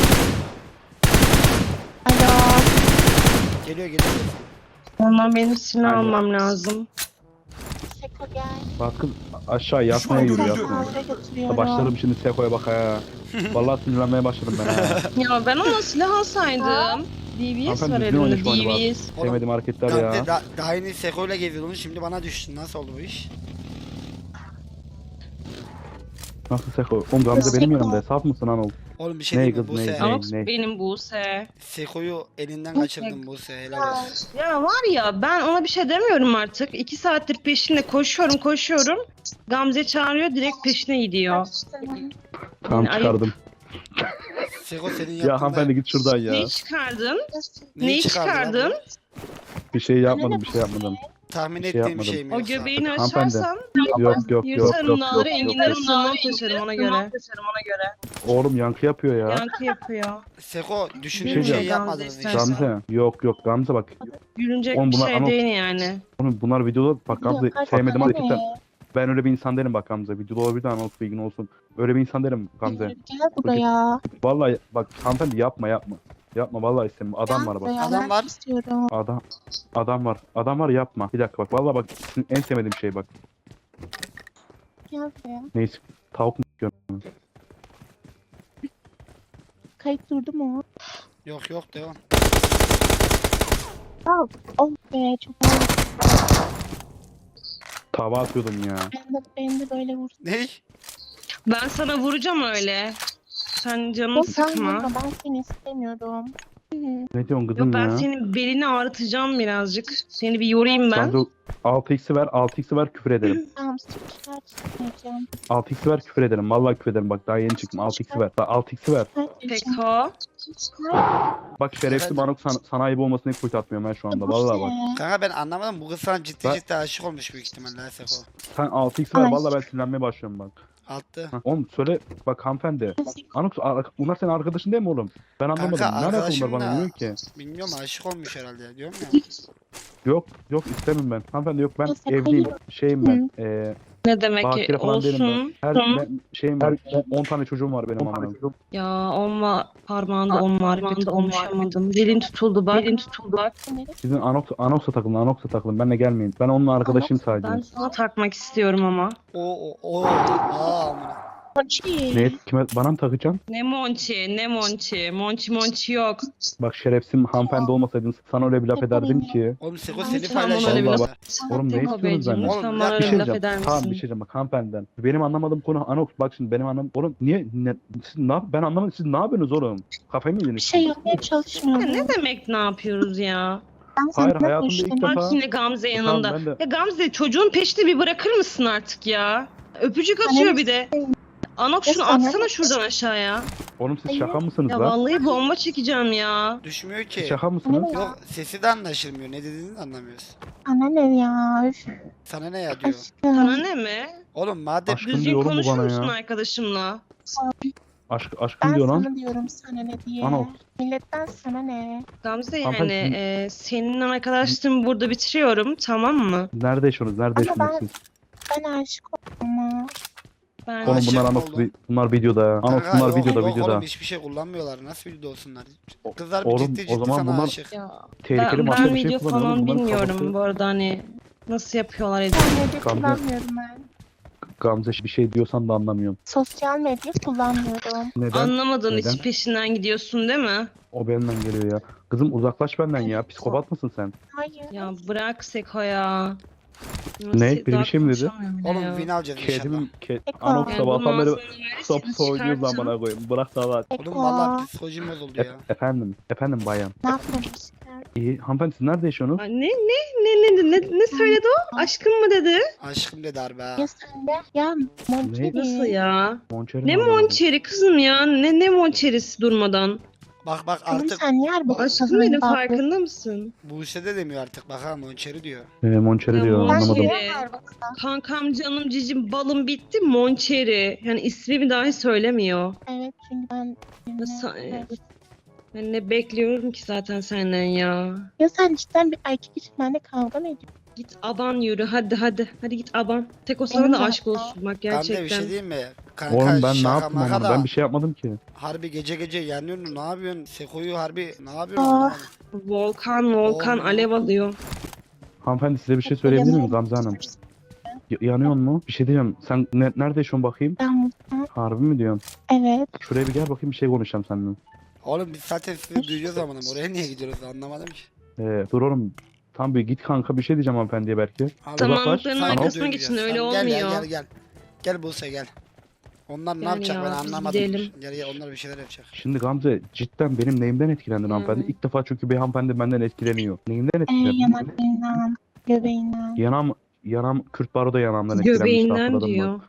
[SPEAKER 4] Alo.
[SPEAKER 1] Geliyor.
[SPEAKER 3] Ondan benim silah
[SPEAKER 2] Aynen.
[SPEAKER 3] almam lazım.
[SPEAKER 4] Seko gel.
[SPEAKER 2] Bak kız aşağı yatmaya
[SPEAKER 1] Düşman
[SPEAKER 2] yürüyor
[SPEAKER 1] görüldü.
[SPEAKER 2] yatmaya.
[SPEAKER 4] Kahve götürüyorum.
[SPEAKER 2] Başlarım şimdi Seko'ya bak ha. Vallahi sinirlenmeye başladım ben ha.
[SPEAKER 3] Ya ben ona silah alsaydım. DBS
[SPEAKER 2] Hanımefendi
[SPEAKER 3] var
[SPEAKER 2] düzgün
[SPEAKER 3] elimde
[SPEAKER 2] oynuş bu hani
[SPEAKER 3] DBS.
[SPEAKER 2] Sevmediğim hareketler
[SPEAKER 1] Gamze
[SPEAKER 2] ya.
[SPEAKER 1] daha yeni Seko'yla geziyordun, şimdi bana düştün. Nasıl oldu bu iş?
[SPEAKER 2] Nasıl Seko? Oğlum Gamze benim yanımda. Saf mısın Anox?
[SPEAKER 1] Oğlum bir şey
[SPEAKER 2] Ne
[SPEAKER 1] diyeyim mi
[SPEAKER 2] kız, ne?
[SPEAKER 1] Buse?
[SPEAKER 2] Ama-
[SPEAKER 3] Anox benim Buse.
[SPEAKER 1] Seko'yu elinden kaçırdın Buse, helal olsun.
[SPEAKER 3] Ya var ya ben ona bir şey demiyorum artık. 2 saattir peşinde koşuyorum. Gamze çağırıyor direkt peşine gidiyor.
[SPEAKER 2] Tamam
[SPEAKER 3] Ayıp.
[SPEAKER 2] çıkardım.
[SPEAKER 1] Seko senin
[SPEAKER 2] Ya
[SPEAKER 1] yaptığında
[SPEAKER 2] hanımefendi git şuradan ya.
[SPEAKER 3] Neyi çıkardın?
[SPEAKER 1] neyi
[SPEAKER 3] Neyi
[SPEAKER 1] çıkardın?
[SPEAKER 3] çıkardın?
[SPEAKER 2] Bir şey yapmadım, bir şey yapmadım.
[SPEAKER 1] Tahmin
[SPEAKER 2] şey
[SPEAKER 1] ettiğim bir
[SPEAKER 2] yapmadım.
[SPEAKER 1] şey mi
[SPEAKER 3] O
[SPEAKER 1] yoksa?
[SPEAKER 3] göbeğini
[SPEAKER 2] Hanımefendi.
[SPEAKER 3] açarsan
[SPEAKER 2] Yok.
[SPEAKER 3] yırtarım nağrı enginleri sırmam taşırım ona göre.
[SPEAKER 2] Oğlum yankı yapıyor ya.
[SPEAKER 3] Yankı yapıyor.
[SPEAKER 1] Seko
[SPEAKER 2] Bir
[SPEAKER 1] düşündüğüm
[SPEAKER 2] şey
[SPEAKER 1] şey
[SPEAKER 2] diyeceğim.
[SPEAKER 1] yapmadınız
[SPEAKER 3] Gamze
[SPEAKER 1] inşallah.
[SPEAKER 2] Gamze. Yok Gamze bak.
[SPEAKER 3] Gülünecek
[SPEAKER 2] Oğlum
[SPEAKER 3] bir
[SPEAKER 2] bunlar
[SPEAKER 3] şey
[SPEAKER 2] Anox.
[SPEAKER 3] değil yani.
[SPEAKER 2] Oğlum bunlar videoda bak Gamze
[SPEAKER 4] Yok,
[SPEAKER 2] sevmedim
[SPEAKER 4] hadi
[SPEAKER 2] hareketler.
[SPEAKER 4] ne?
[SPEAKER 2] Ben öyle bir insan değilim bak Gamze. Videoda olabilir de Anox bilgin olsun. Öyle bir insan değilim Gamze.
[SPEAKER 4] Gel buraya.
[SPEAKER 2] Vallahi bak hanımefendi yapma. Yapma vallahi istemiyorum. Adam
[SPEAKER 4] Gel
[SPEAKER 2] var bak.
[SPEAKER 4] buraya,
[SPEAKER 1] Adam
[SPEAKER 4] ben
[SPEAKER 1] var.
[SPEAKER 4] istiyorum.
[SPEAKER 2] Adam var yapma. Bir dakika bak vallahi bak en sevmediğim şey bak.
[SPEAKER 4] Gel buraya.
[SPEAKER 2] Neyse tavuk mu yiyorsun?
[SPEAKER 4] Kayıt durdu mu?
[SPEAKER 1] Yok devam.
[SPEAKER 4] Oh be çok ağır.
[SPEAKER 2] Tava atıyordum ya.
[SPEAKER 4] Ben de böyle vurdum.
[SPEAKER 1] Ney?
[SPEAKER 3] Ben sana vuracağım öyle. Sen canını
[SPEAKER 4] Sen
[SPEAKER 3] sıkma.
[SPEAKER 4] vurma, ben seni istemiyorum.
[SPEAKER 2] Ne diyorsun kızım
[SPEAKER 3] Yok ben
[SPEAKER 2] ya?
[SPEAKER 3] senin belini ağrıtacağım birazcık. Seni bir yorayım ben.
[SPEAKER 2] Gamze 6x'i ver küfür ederim.
[SPEAKER 4] Tamam çıkartmayacağım.
[SPEAKER 2] 6x'i ver küfür ederim. Vallahi küfür ederim. Bak daha yeni çıktım. 6x'i ver. Daha 6x'i ver.
[SPEAKER 3] Peko.
[SPEAKER 2] Bak şerefsiz
[SPEAKER 1] Evet.
[SPEAKER 2] bana sana ayıp olmasını hiç kuyut atmıyorum ben şu anda. Vallahi bak.
[SPEAKER 1] Kanka ben anlamadım, bu kız sana ciddi
[SPEAKER 2] Ben-
[SPEAKER 1] ciddi aşık olmuş büyük ihtimalle ha Seko.
[SPEAKER 2] Sen 6x'i ver.
[SPEAKER 4] Ay.
[SPEAKER 2] Vallahi ben sinirlenmeye başlıyorum bak.
[SPEAKER 1] Attı.
[SPEAKER 2] Hah, oğlum söyle bak hanımefendi. Anox bunlar senin arkadaşın değil mi oğlum? Ben anlamadım.
[SPEAKER 1] Kanka,
[SPEAKER 2] Ne alaka
[SPEAKER 1] arkadaşım
[SPEAKER 2] bunlar bana
[SPEAKER 1] da-
[SPEAKER 2] bilmiyorum ki.
[SPEAKER 1] Bilmiyorum, aşık olmuş herhalde diyorum ya.
[SPEAKER 2] Yok istemiyorum ben. Hanımefendi yok ben
[SPEAKER 4] Ya sen
[SPEAKER 2] evliyim.
[SPEAKER 4] hayır.
[SPEAKER 2] Şeyim ben.
[SPEAKER 3] Ne demek ki
[SPEAKER 2] Bakire falan değilim ben.
[SPEAKER 3] olsun.
[SPEAKER 2] Her
[SPEAKER 3] Tamam.
[SPEAKER 2] ben, şeyim ben. 10 tane çocuğum var benim amına.
[SPEAKER 3] Ya olma parmağında on marifet konuşamadım. Dilin tutuldu bak.
[SPEAKER 2] Sizin Anox'a takılın. Benle gelmeyin. Ben onun arkadaşıyım sadece.
[SPEAKER 3] Ben sana takmak istiyorum ama.
[SPEAKER 1] Amına.
[SPEAKER 4] Monçi.
[SPEAKER 2] Ne kime bana mı takacaksın?
[SPEAKER 3] Ne monçi. Monçi yok.
[SPEAKER 2] Bak şerefsiz hanımefendi olmasaydın sana öyle bir laf ederdim ki.
[SPEAKER 1] Oğlum Seko
[SPEAKER 4] Ben
[SPEAKER 1] seni
[SPEAKER 4] sana
[SPEAKER 3] öyle bir
[SPEAKER 1] paylaşıyor.
[SPEAKER 3] laf-
[SPEAKER 2] Oğlum ne
[SPEAKER 3] Peko
[SPEAKER 2] istiyorsunuz
[SPEAKER 3] beyciğim
[SPEAKER 2] benden?
[SPEAKER 1] Oğlum,
[SPEAKER 3] lütfen
[SPEAKER 1] bir
[SPEAKER 3] bana
[SPEAKER 1] dakika,
[SPEAKER 3] öyle bir laf
[SPEAKER 2] diyeceğim.
[SPEAKER 3] eder
[SPEAKER 2] Tamam bir
[SPEAKER 3] misin?
[SPEAKER 2] şey diyeceğim bak hanımefendiden. Benim anlamadığım konu Anox bak şimdi benim anlam. Oğlum niye siz ben anlamadım siz ne yapıyorsunuz oğlum? Kafayı mı
[SPEAKER 4] Bir
[SPEAKER 2] yediniz?
[SPEAKER 4] şey yapmaya çalışmıyorum.
[SPEAKER 3] Ya ne demek ne yapıyoruz ya?
[SPEAKER 4] Ben
[SPEAKER 2] Hayır,
[SPEAKER 4] senden
[SPEAKER 2] hayatımda ilk
[SPEAKER 4] hoşlanıyorum.
[SPEAKER 2] defa-
[SPEAKER 3] Bak yine Gamze
[SPEAKER 2] Tamam,
[SPEAKER 3] yanında.
[SPEAKER 2] ben de-
[SPEAKER 3] Ya Gamze çocuğun peşini bir bırakır mısın artık ya? Öpücük
[SPEAKER 4] Sana
[SPEAKER 3] atıyor
[SPEAKER 4] ne
[SPEAKER 3] bir de. Anok
[SPEAKER 4] Ya
[SPEAKER 3] şunu
[SPEAKER 4] sana
[SPEAKER 3] atsana
[SPEAKER 4] ne-
[SPEAKER 3] şuradan aşağıya.
[SPEAKER 2] Oğlum siz
[SPEAKER 4] Hayır.
[SPEAKER 2] şaka mısınız
[SPEAKER 3] Ya
[SPEAKER 2] lan?
[SPEAKER 3] vallahi bomba çekeceğim ya.
[SPEAKER 1] Düşmüyor
[SPEAKER 2] Siz
[SPEAKER 1] ki.
[SPEAKER 2] şaka mısınız?
[SPEAKER 4] Ne?
[SPEAKER 1] Yok, sesi de anlaşılmıyor. Ne dediğini de anlamıyoruz.
[SPEAKER 4] Sana ne ya? Üf.
[SPEAKER 1] Sana ne ya diyor.
[SPEAKER 3] Sana
[SPEAKER 4] Aşkım.
[SPEAKER 3] ne mi?
[SPEAKER 1] Oğlum madem
[SPEAKER 2] Aşkım
[SPEAKER 3] Düzgün
[SPEAKER 2] diyorum bu
[SPEAKER 3] konuşur
[SPEAKER 2] bana
[SPEAKER 3] musun
[SPEAKER 2] ya.
[SPEAKER 3] arkadaşımla?
[SPEAKER 2] Aşkım
[SPEAKER 4] Ben
[SPEAKER 2] diyor lan.
[SPEAKER 4] sana diyorum sana ne diye.
[SPEAKER 2] Anox.
[SPEAKER 4] Milletten sana ne?
[SPEAKER 3] Gamze
[SPEAKER 2] Hanımefendi,
[SPEAKER 3] yani
[SPEAKER 2] sizin-
[SPEAKER 3] senin arkadaşlığımı burada bitiriyorum tamam mı?
[SPEAKER 2] Nerede yaşıyorsunuz? Nerede
[SPEAKER 4] Ama
[SPEAKER 2] yaşıyorsunuz siz?
[SPEAKER 4] Ben aşık oldum ama.
[SPEAKER 3] Ben
[SPEAKER 2] Oğlum
[SPEAKER 1] Aşık
[SPEAKER 2] bunlar
[SPEAKER 1] mı
[SPEAKER 2] Anox,
[SPEAKER 1] oldun?
[SPEAKER 2] bunlar videoda ya. Anox
[SPEAKER 1] Kanka,
[SPEAKER 2] bunlar
[SPEAKER 1] yok,
[SPEAKER 2] videoda
[SPEAKER 1] yok
[SPEAKER 2] videoda.
[SPEAKER 1] Oğlum hiçbir şey kullanmıyorlar. Nasıl videoda olsunlar?
[SPEAKER 2] O-
[SPEAKER 1] Kızlar bir
[SPEAKER 2] oğlum,
[SPEAKER 1] ciddi
[SPEAKER 2] o
[SPEAKER 1] ciddi
[SPEAKER 2] zaman
[SPEAKER 1] sana
[SPEAKER 2] bunlar-
[SPEAKER 1] aşık.
[SPEAKER 3] ya
[SPEAKER 2] Tehlikeli
[SPEAKER 3] ben
[SPEAKER 2] başka bir şey
[SPEAKER 3] video
[SPEAKER 2] kullanıyor oğlum.
[SPEAKER 3] falan
[SPEAKER 2] Bunların
[SPEAKER 3] bilmiyorum
[SPEAKER 2] kafası-
[SPEAKER 3] bu arada hani nasıl yapıyorlar
[SPEAKER 4] Sosyal
[SPEAKER 3] edit.
[SPEAKER 4] medya
[SPEAKER 2] Gamze.
[SPEAKER 4] kullanmıyorum ben.
[SPEAKER 2] Gamze bir şey diyorsan da anlamıyorum.
[SPEAKER 4] Sosyal medya kullanmıyorum.
[SPEAKER 2] Neden?
[SPEAKER 3] Anlamadığın
[SPEAKER 2] Neden?
[SPEAKER 3] için peşinden gidiyorsun değil mi?
[SPEAKER 2] O benden geliyor ya. Kızım uzaklaş benden ya. Psikopat mısın sen?
[SPEAKER 4] Hayır.
[SPEAKER 3] Ya bırak Seko ya.
[SPEAKER 2] Ne? Biri bir
[SPEAKER 3] Daha
[SPEAKER 2] şey mi dedi?
[SPEAKER 3] konuşamıyorum bile
[SPEAKER 1] Oğlum
[SPEAKER 3] ya.
[SPEAKER 1] win alacağız inşallah.
[SPEAKER 2] Kedim,
[SPEAKER 4] Eko.
[SPEAKER 2] Anox
[SPEAKER 3] Yani
[SPEAKER 2] sabahtan
[SPEAKER 3] bunun
[SPEAKER 2] beri
[SPEAKER 3] ağzını
[SPEAKER 2] kısa
[SPEAKER 3] verirseniz
[SPEAKER 2] kısa oynuyoruz
[SPEAKER 3] çıkartın.
[SPEAKER 2] amına koyayım. Bırak da var.
[SPEAKER 1] Oğlum vallahi
[SPEAKER 4] Eko.
[SPEAKER 1] psikolojim bozuldu ya.
[SPEAKER 2] Efendim. Efendim bayan.
[SPEAKER 4] Ne yapıyorsun?
[SPEAKER 2] İyi. Hanımefendi siz nerede yaşıyorsunuz?
[SPEAKER 3] Ay, ne söyledi o? Aşkım mı dedi?
[SPEAKER 1] Aşkım dedi harbi ha.
[SPEAKER 4] Ya sen de ya Monçeri.
[SPEAKER 3] Nasıl ya?
[SPEAKER 2] Monçeri
[SPEAKER 3] Ne
[SPEAKER 2] mi anlamadım.
[SPEAKER 3] monçeri kızım ya? Ne monçerisi durmadan?
[SPEAKER 1] Bak
[SPEAKER 4] Kızım
[SPEAKER 1] artık
[SPEAKER 4] sen niye harbi
[SPEAKER 3] Aşkım
[SPEAKER 4] kızın
[SPEAKER 3] benim
[SPEAKER 4] bağlı-
[SPEAKER 3] farkında mısın?
[SPEAKER 1] Buse de demiyor artık. Bak ha Monçeri diyor.
[SPEAKER 2] Monçeri
[SPEAKER 3] Ya
[SPEAKER 2] diyor
[SPEAKER 3] Monçeri.
[SPEAKER 2] anlamadım.
[SPEAKER 4] niye harbi kızın?
[SPEAKER 3] Kankam canım cicim balım bitti monçeri. Yani ismimi dahi söylemiyor.
[SPEAKER 4] Evet çünkü ben...
[SPEAKER 3] Nasıl-
[SPEAKER 4] Evet.
[SPEAKER 3] Ben ne bekliyorum ki zaten senden ya.
[SPEAKER 4] Ya sen cidden bir erkek için benimle kavga mı ediyorsun?
[SPEAKER 3] Git aban yürü hadi. Hadi git aban. Tek o
[SPEAKER 4] Benim
[SPEAKER 3] sana da
[SPEAKER 4] de
[SPEAKER 3] aşk
[SPEAKER 4] hatta-
[SPEAKER 3] olsun bak
[SPEAKER 1] Gamze bir
[SPEAKER 3] gerçekten.
[SPEAKER 1] şey diyeyim mi? Kanka
[SPEAKER 2] Oğlum ben ne
[SPEAKER 1] şaka
[SPEAKER 2] yaptım
[SPEAKER 1] maka
[SPEAKER 2] ama
[SPEAKER 1] da
[SPEAKER 2] ben bir şey yapmadım ki.
[SPEAKER 1] harbi gece yanıyorsun ne yapıyorsun? Seko'yu harbi ne yapıyorsun?
[SPEAKER 4] Aa.
[SPEAKER 1] anlamadım.
[SPEAKER 3] Volkan
[SPEAKER 1] Oğlum.
[SPEAKER 3] alev alıyor.
[SPEAKER 2] Hanımefendi size bir şey söyleyebilir miyim Gamze Hanım? Yanıyor mu? Bir şey diyeceğim. Sen nerede yaşıyorsun bakayım?
[SPEAKER 4] Ben
[SPEAKER 2] Harbi mi diyorsun?
[SPEAKER 4] evet.
[SPEAKER 2] Şuraya bir gel bakayım bir şey konuşacağım seninle.
[SPEAKER 1] Oğlum biz zaten sizi duyuyoruz ama oraya niye gidiyoruz anlamadım ki.
[SPEAKER 2] Dur oğlum. Tam bir git kanka bir şey diyeceğim hanımefendiye belki.
[SPEAKER 1] Abi,
[SPEAKER 3] Samanlıkların
[SPEAKER 2] Uzaklaş.
[SPEAKER 3] arkasına
[SPEAKER 1] Anox
[SPEAKER 3] geçin
[SPEAKER 1] döneceğiz.
[SPEAKER 3] öyle
[SPEAKER 1] Tamam,
[SPEAKER 3] olmuyor.
[SPEAKER 1] Gel. Gel Buse gel. Onlar ne
[SPEAKER 3] Gel
[SPEAKER 1] yapacak
[SPEAKER 3] ya,
[SPEAKER 1] ben
[SPEAKER 3] biz
[SPEAKER 1] anlamadım.
[SPEAKER 3] gidelim.
[SPEAKER 1] Gel onlar bir şeyler yapacak.
[SPEAKER 2] Şimdi Gamze cidden benim neyimden etkilendin
[SPEAKER 3] Hı.
[SPEAKER 2] hanımefendi? İlk defa çünkü bir hanımefendi benden etkileniyor. Neyimden etkilendin?
[SPEAKER 4] Yanaklarından, göbeğinden.
[SPEAKER 2] Yanam Kürt Baro da yanamdan etkilenmişti
[SPEAKER 3] Göbeğinden
[SPEAKER 2] hatırladın mı?
[SPEAKER 3] diyor.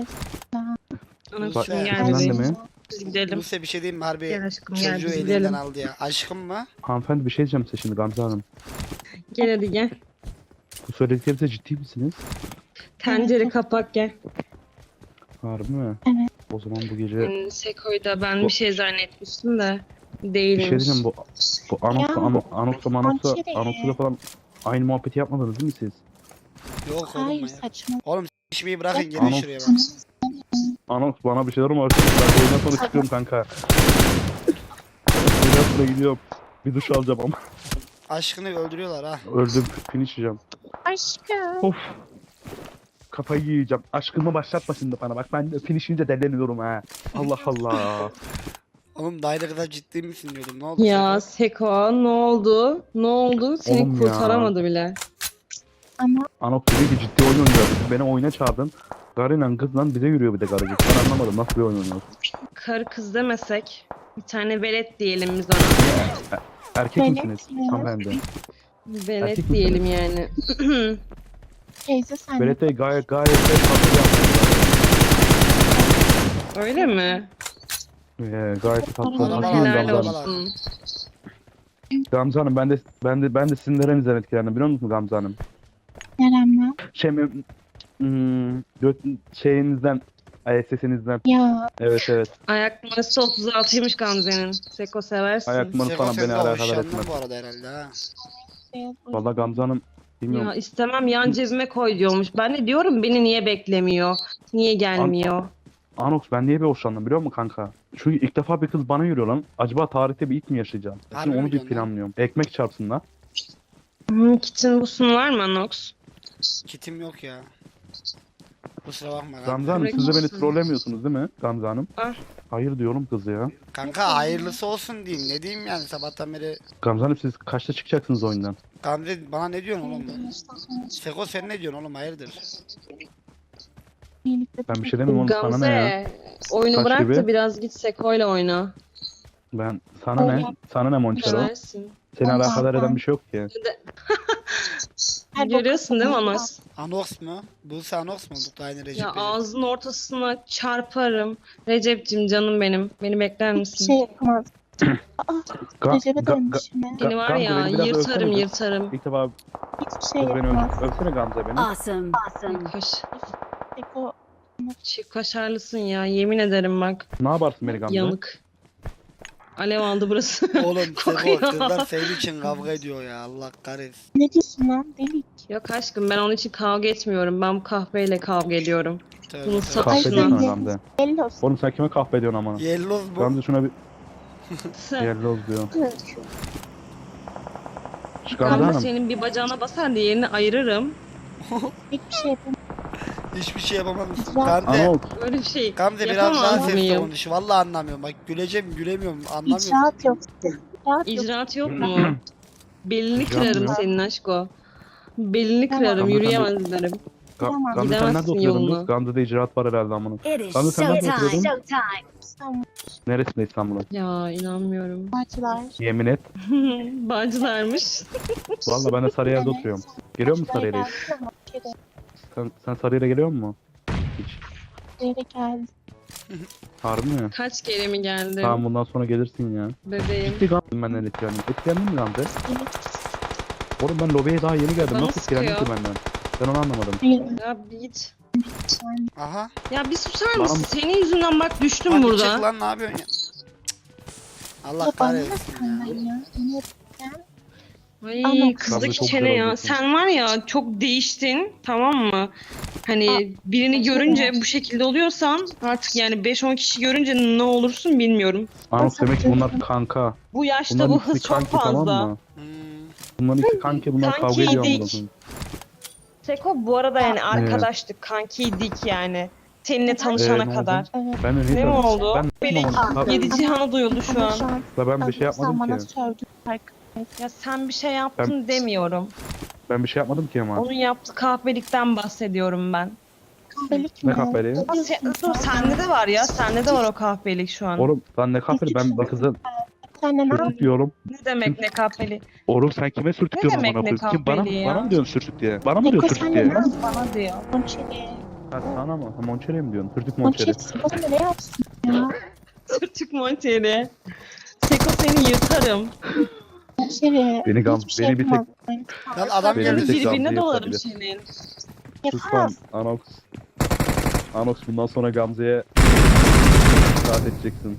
[SPEAKER 1] Bak,
[SPEAKER 3] Anasını gel
[SPEAKER 1] izinden
[SPEAKER 2] de
[SPEAKER 3] bebeğim.
[SPEAKER 2] mi?
[SPEAKER 3] Biz gidelim.
[SPEAKER 1] Buse bir şey diyeyim mi harbi
[SPEAKER 3] Gel aşkım gel
[SPEAKER 1] çocuğu
[SPEAKER 3] biz
[SPEAKER 1] elinden
[SPEAKER 3] gidelim.
[SPEAKER 1] aldı ya. Aşkım mı?
[SPEAKER 2] Hanımefendi bir şey diyeceğim size şimdi Gamze Hanım.
[SPEAKER 3] Gel hadi gel.
[SPEAKER 2] Bu söylediklerinize ciddi misiniz?
[SPEAKER 3] Tencere kapak gel.
[SPEAKER 2] Harbi mi?
[SPEAKER 4] Evet.
[SPEAKER 2] O zaman bu gece
[SPEAKER 3] Seko'yu da ben
[SPEAKER 2] Bu-
[SPEAKER 3] bir şey zannetmiştim de
[SPEAKER 2] bir
[SPEAKER 3] değilmiş.
[SPEAKER 2] şey diyeceğim bu Anox'la
[SPEAKER 4] Monçeri.
[SPEAKER 2] Anox'la falan aynı muhabbeti yapmadınız değil mi siz?
[SPEAKER 1] Yok oğlum
[SPEAKER 4] Hayır
[SPEAKER 1] ya.
[SPEAKER 4] saçma.
[SPEAKER 1] Oğlum s**meyi bırakın gelin
[SPEAKER 2] Anox.
[SPEAKER 1] şuraya bak.
[SPEAKER 2] Anox bana bir şeyler mi öğretti? Ben oyundan sonra çıkıyorum kanka. Oyundan sonra gidiyorum. Bir duş alacağım ama
[SPEAKER 1] Aşkını öldürüyorlar ha.
[SPEAKER 2] öldüm. Finish yiyeceğim.
[SPEAKER 4] Aşkım.
[SPEAKER 2] Of. Kafayı yiyeceğim. Aşkımı başlatma şimdi bana. Bak ben de finish yiyince deleniyorum ha. Allah Allah.
[SPEAKER 1] Oğlum dayla kadar ciddi misin diyordum ne oldu?
[SPEAKER 3] Ya
[SPEAKER 1] Seko?
[SPEAKER 3] Seko ne oldu? Ne oldu? Seni
[SPEAKER 2] Oğlum ya.
[SPEAKER 3] kurtaramadı bile.
[SPEAKER 4] Ama
[SPEAKER 2] Anox dedi ki ciddi oyun oynayacağız. Beni oyuna çağırdın. Garıyla kızla bize yürüyor bir de garıcık. Ben anlamadım nasıl bir oyun oynuyoruz.
[SPEAKER 3] Karı kız demesek bir tane velet diyelim biz ona.
[SPEAKER 2] Erkek
[SPEAKER 4] Velet
[SPEAKER 2] misiniz
[SPEAKER 4] mi?
[SPEAKER 2] hanımefendi?
[SPEAKER 3] Velet
[SPEAKER 2] Erkek
[SPEAKER 3] diyelim yani.
[SPEAKER 4] teyze sen de
[SPEAKER 2] Belete gayet de tatlı
[SPEAKER 3] Öyle mi?
[SPEAKER 2] gayet de tatlı.
[SPEAKER 1] Arabalar,
[SPEAKER 2] Haklıyım
[SPEAKER 3] Helal
[SPEAKER 2] Gamze Hanım.
[SPEAKER 1] arabalar.
[SPEAKER 3] olsun.
[SPEAKER 2] Gamze Hanım ben de sizin nerenizden etkilendim biliyor musunuz Gamze Hanım?
[SPEAKER 4] neremden?
[SPEAKER 2] Şeyinizden, sesinizden.
[SPEAKER 4] Ya
[SPEAKER 2] Evet.
[SPEAKER 3] Ayak numarası 36'ymış Gamze'nin. Seko seversin.
[SPEAKER 2] Ayak numarası
[SPEAKER 1] Seko
[SPEAKER 2] falan
[SPEAKER 1] sen
[SPEAKER 2] beni
[SPEAKER 1] de
[SPEAKER 2] alakadar
[SPEAKER 1] hoşlandın
[SPEAKER 2] etmez.
[SPEAKER 1] bu arada herhalde ha.
[SPEAKER 4] beyaz
[SPEAKER 2] Valla Gamze Hanım bilmiyorum.
[SPEAKER 3] Ya istemem yan cebime koy diyormuş. Ben de diyorum beni niye beklemiyor? Niye gelmiyor?
[SPEAKER 2] Anox ben niye bir hoşlandım biliyor musun kanka? Çünkü ilk defa bir kız bana yürüyor lan. Acaba tarihte bir ilk mi yaşayacağım?
[SPEAKER 1] Harbi
[SPEAKER 2] Şimdi
[SPEAKER 1] mi
[SPEAKER 2] onu bir
[SPEAKER 1] diyorsun lan?
[SPEAKER 2] planlıyorum. Ekmek çarpsın lan.
[SPEAKER 3] Kitchen busun var mı Nox?
[SPEAKER 1] Kitim yok ya. Kusura bakma
[SPEAKER 2] Gamze
[SPEAKER 1] kanka.
[SPEAKER 2] Hanım siz de beni
[SPEAKER 3] Bırakırsın.
[SPEAKER 2] trollemiyorsunuz değil mi Gamze Hanım?
[SPEAKER 3] Ah.
[SPEAKER 2] Hayır diyorum kız ya.
[SPEAKER 1] Kanka hayırlısı olsun diyeyim. Ne diyeyim yani sabahtan beri.
[SPEAKER 2] Gamze Hanım siz kaçta çıkacaksınız oyundan?
[SPEAKER 1] Gamze bana ne diyorsun oğlum? Seko sen ne diyorsun oğlum hayırdır?
[SPEAKER 4] birlikte
[SPEAKER 2] Ben bir şey demiyorum oğlum sana ne ya?
[SPEAKER 3] Gamze oyunu
[SPEAKER 2] Kaç
[SPEAKER 3] bırak
[SPEAKER 2] gibi?
[SPEAKER 3] da biraz git Seko'yla oyna.
[SPEAKER 2] Ben sana ne? Sana ne Monçero?
[SPEAKER 3] Seversin.
[SPEAKER 2] Seni
[SPEAKER 4] Allah
[SPEAKER 2] alakadar
[SPEAKER 4] Allah.
[SPEAKER 2] eden bir şey yok ki.
[SPEAKER 4] Her
[SPEAKER 3] Görüyorsun değil mi
[SPEAKER 4] boku-
[SPEAKER 3] Anox?
[SPEAKER 1] Anox mu? Buse Anox mu? Bu da aynı Recep.
[SPEAKER 3] Ya
[SPEAKER 1] Recep.
[SPEAKER 3] ağzının ortasına çarparım. Recep'cim canım benim. Beni bekler
[SPEAKER 4] Hiçbir
[SPEAKER 3] misin?
[SPEAKER 4] şey yapamaz.
[SPEAKER 2] Ga-
[SPEAKER 4] Recep'e
[SPEAKER 2] ga-
[SPEAKER 4] dönmüşüm ben.
[SPEAKER 3] Seni var
[SPEAKER 2] Gamze,
[SPEAKER 3] ya
[SPEAKER 2] beni biraz
[SPEAKER 3] yırtarım
[SPEAKER 2] övsene.
[SPEAKER 3] yırtarım.
[SPEAKER 2] İlk defa
[SPEAKER 4] Hiçbir şey
[SPEAKER 2] kız beni
[SPEAKER 4] yapamaz.
[SPEAKER 2] öpsene Gamze beni.
[SPEAKER 5] Awesome.
[SPEAKER 3] Kaş,
[SPEAKER 4] Eko
[SPEAKER 3] çift kaşarlısın ya yemin ederim bak.
[SPEAKER 2] Ne yaparsın beni Gamze?
[SPEAKER 3] Yanık. Alev aldı burası.
[SPEAKER 1] Oğlum Seko
[SPEAKER 3] Kokuyor.
[SPEAKER 1] kızlar senin için kavga ediyor ya Allah kahretsin.
[SPEAKER 4] ne diyorsun lan delik?
[SPEAKER 3] Yok aşkım ben onun için kavga etmiyorum. Ben bu kahveyle kavga ediyorum.
[SPEAKER 1] Tövbe
[SPEAKER 3] Bunu
[SPEAKER 1] tövbe.
[SPEAKER 2] Kahve
[SPEAKER 3] satışına.
[SPEAKER 2] ediyorsun Gamze.
[SPEAKER 4] Belli olsun.
[SPEAKER 2] Oğlum sen kime kahve ediyorsun amına?
[SPEAKER 1] Yelloz bu.
[SPEAKER 2] Gamze şuna bir
[SPEAKER 3] Sen.
[SPEAKER 2] yelloz diyor.
[SPEAKER 4] Şu
[SPEAKER 2] Şu Gamze
[SPEAKER 3] Gamze
[SPEAKER 2] Hanım.
[SPEAKER 3] senin bir bacağına basar diğerini ayırırım.
[SPEAKER 4] hiçbir şey yapamam.
[SPEAKER 1] Hiçbir şey yapamaz mısın?
[SPEAKER 4] Güzel.
[SPEAKER 1] Gamze.
[SPEAKER 2] Anok.
[SPEAKER 3] Böyle bir şey
[SPEAKER 1] Gamze biraz daha
[SPEAKER 3] yapamaz
[SPEAKER 1] sesli
[SPEAKER 3] mıyım?
[SPEAKER 1] konuş. Vallahi anlamıyorum. Bak güleceğim gülemiyorum. Anlamıyorum.
[SPEAKER 4] İcraat yok. İcraat yok.
[SPEAKER 3] İcraat yok mu? Belini
[SPEAKER 2] İcraat
[SPEAKER 3] kırarım
[SPEAKER 2] yok.
[SPEAKER 3] senin aşko. Belini
[SPEAKER 4] Tamam.
[SPEAKER 3] kırarım,
[SPEAKER 2] Gamze,
[SPEAKER 3] yürüyemez derim.
[SPEAKER 4] Tamam.
[SPEAKER 2] Gamze sen nerede
[SPEAKER 3] Gidemezsin
[SPEAKER 2] oturuyordun
[SPEAKER 3] yoluna.
[SPEAKER 2] kız? Gamze'de icraat var herhalde amına.
[SPEAKER 5] It is
[SPEAKER 2] Gamze sen nerede
[SPEAKER 5] showtime.
[SPEAKER 2] oturuyordun?
[SPEAKER 4] Tamam.
[SPEAKER 2] Neresinde İstanbul'un?
[SPEAKER 3] Ya inanmıyorum.
[SPEAKER 4] Parçalar.
[SPEAKER 2] Yemin et.
[SPEAKER 3] Bağcılarmış.
[SPEAKER 2] Valla ben de Sarıyer'de
[SPEAKER 4] Evet.
[SPEAKER 2] oturuyorum. Geliyor musun
[SPEAKER 4] Parçalara
[SPEAKER 2] Sarıyer'e?
[SPEAKER 4] geldik ama şeyde,
[SPEAKER 2] Sen Sarıyer'e geliyor musun? Hiç.
[SPEAKER 4] şeyde geldik.
[SPEAKER 2] Harbi mi?
[SPEAKER 3] Kaç kere mi geldim
[SPEAKER 2] Tamam bundan sonra gelirsin ya.
[SPEAKER 3] bebeğim?
[SPEAKER 2] Ciddi Gamze benden etkilendin. Etkilendin mi Gamze?
[SPEAKER 4] Evet.
[SPEAKER 2] Oğlum ben lobiye daha yeni geldim.
[SPEAKER 3] Bana
[SPEAKER 2] Nasıl etkilendin ki
[SPEAKER 3] sıkıyor.
[SPEAKER 2] benden? Ben onu anlamadım.
[SPEAKER 4] Hayır.
[SPEAKER 3] Ya bir git.
[SPEAKER 4] Yani
[SPEAKER 1] Aha.
[SPEAKER 3] Ya bir susar
[SPEAKER 2] Bana
[SPEAKER 3] mısın?
[SPEAKER 2] mı?
[SPEAKER 3] Senin yüzünden bak düştüm
[SPEAKER 1] Hadi
[SPEAKER 3] burada.
[SPEAKER 1] çık lan ne yapıyorsun ya? Cık. Allah
[SPEAKER 4] ya bana ne
[SPEAKER 1] kahretsin ya.
[SPEAKER 4] senden ya? Ne
[SPEAKER 3] Ay
[SPEAKER 4] Ama-
[SPEAKER 2] Gamze
[SPEAKER 3] kızdaki
[SPEAKER 2] çok
[SPEAKER 3] çene
[SPEAKER 2] güzel
[SPEAKER 3] ya.
[SPEAKER 2] oynuyorsun.
[SPEAKER 3] Sen var ya çok değiştin, tamam mı? Hani birini
[SPEAKER 4] aşırı.
[SPEAKER 3] görünce bu şekilde oluyorsan artık yani 5-10 kişi görünce ne olursun bilmiyorum.
[SPEAKER 2] Anok demek ki bunlar kanka.
[SPEAKER 3] Bu yaşta
[SPEAKER 2] Bunların
[SPEAKER 3] bu
[SPEAKER 2] ikisi
[SPEAKER 3] hız çok
[SPEAKER 2] kanki
[SPEAKER 3] fazla.
[SPEAKER 2] tamam mı?
[SPEAKER 1] Hmm.
[SPEAKER 2] Bunların ikisi kanki bunlar kavga ediyor
[SPEAKER 3] Kankiydik.
[SPEAKER 2] amına koyayım.
[SPEAKER 3] Seko bu arada yani arkadaştık, kankiydik yani. Seninle tanışana
[SPEAKER 2] ne oldu?
[SPEAKER 3] kadar.
[SPEAKER 4] Evet.
[SPEAKER 2] Ben de
[SPEAKER 3] Ne mi
[SPEAKER 2] tanıdım?
[SPEAKER 3] oldu?
[SPEAKER 2] Ben
[SPEAKER 3] Benim
[SPEAKER 2] yapmadım.
[SPEAKER 3] yedi cihanı duyuldu şu
[SPEAKER 4] Ama
[SPEAKER 3] an.
[SPEAKER 4] şu an
[SPEAKER 2] Ben bir şey
[SPEAKER 4] sen
[SPEAKER 2] yapmadım
[SPEAKER 4] bana
[SPEAKER 2] ki.
[SPEAKER 4] sövdün.
[SPEAKER 3] Ya sen bir şey yaptın demiyorum.
[SPEAKER 2] Ben bir şey yapmadım ki ama.
[SPEAKER 3] Onun yaptığı kahpelikten bahsediyorum ben.
[SPEAKER 4] Kahvelik
[SPEAKER 2] Ne
[SPEAKER 4] mi?
[SPEAKER 2] kahveliği?
[SPEAKER 3] Ama dur sende de var ya, sende de var o kahpelik şu an.
[SPEAKER 2] Oğlum lan ne kahveli ben bir kızı
[SPEAKER 4] Sen de ne
[SPEAKER 2] sürtük diyorum.
[SPEAKER 3] Ne demek ne kahpeli?
[SPEAKER 2] Oğlum sen kime sürtük
[SPEAKER 3] Ne
[SPEAKER 2] diyorsun
[SPEAKER 3] demek
[SPEAKER 2] amına
[SPEAKER 3] ne
[SPEAKER 2] koyayım? Kim bana
[SPEAKER 3] kahveli ya?
[SPEAKER 2] bana mı diyorsun sürtük diye? Bana mı
[SPEAKER 4] Eko
[SPEAKER 2] diyorsun
[SPEAKER 4] sen
[SPEAKER 2] sürtük
[SPEAKER 4] de
[SPEAKER 2] diye?
[SPEAKER 4] ne?
[SPEAKER 3] Bana diyor.
[SPEAKER 4] Monçeri.
[SPEAKER 2] Ha, sana mı? Ha, Monçeri mi diyorsun? Sürtük Monçeri.
[SPEAKER 4] Monçeri. Siko ne yapsın ya?
[SPEAKER 3] Sırtık Monteri. Seko seni yırtarım.
[SPEAKER 4] Monçeri.
[SPEAKER 2] Beni gam-
[SPEAKER 4] hiçbir şey
[SPEAKER 2] beni bir tek-
[SPEAKER 4] yapamaz.
[SPEAKER 1] Lan adam
[SPEAKER 2] Benim
[SPEAKER 3] Seni
[SPEAKER 2] bir
[SPEAKER 1] geldi.
[SPEAKER 2] tek
[SPEAKER 3] birbirine
[SPEAKER 2] Gamze
[SPEAKER 3] dolarım
[SPEAKER 2] yapabilir.
[SPEAKER 3] senin.
[SPEAKER 2] Sus lan
[SPEAKER 4] Yapamaz.
[SPEAKER 2] Anox. Anox bundan sonra Gamze'ye itaat edeceksin.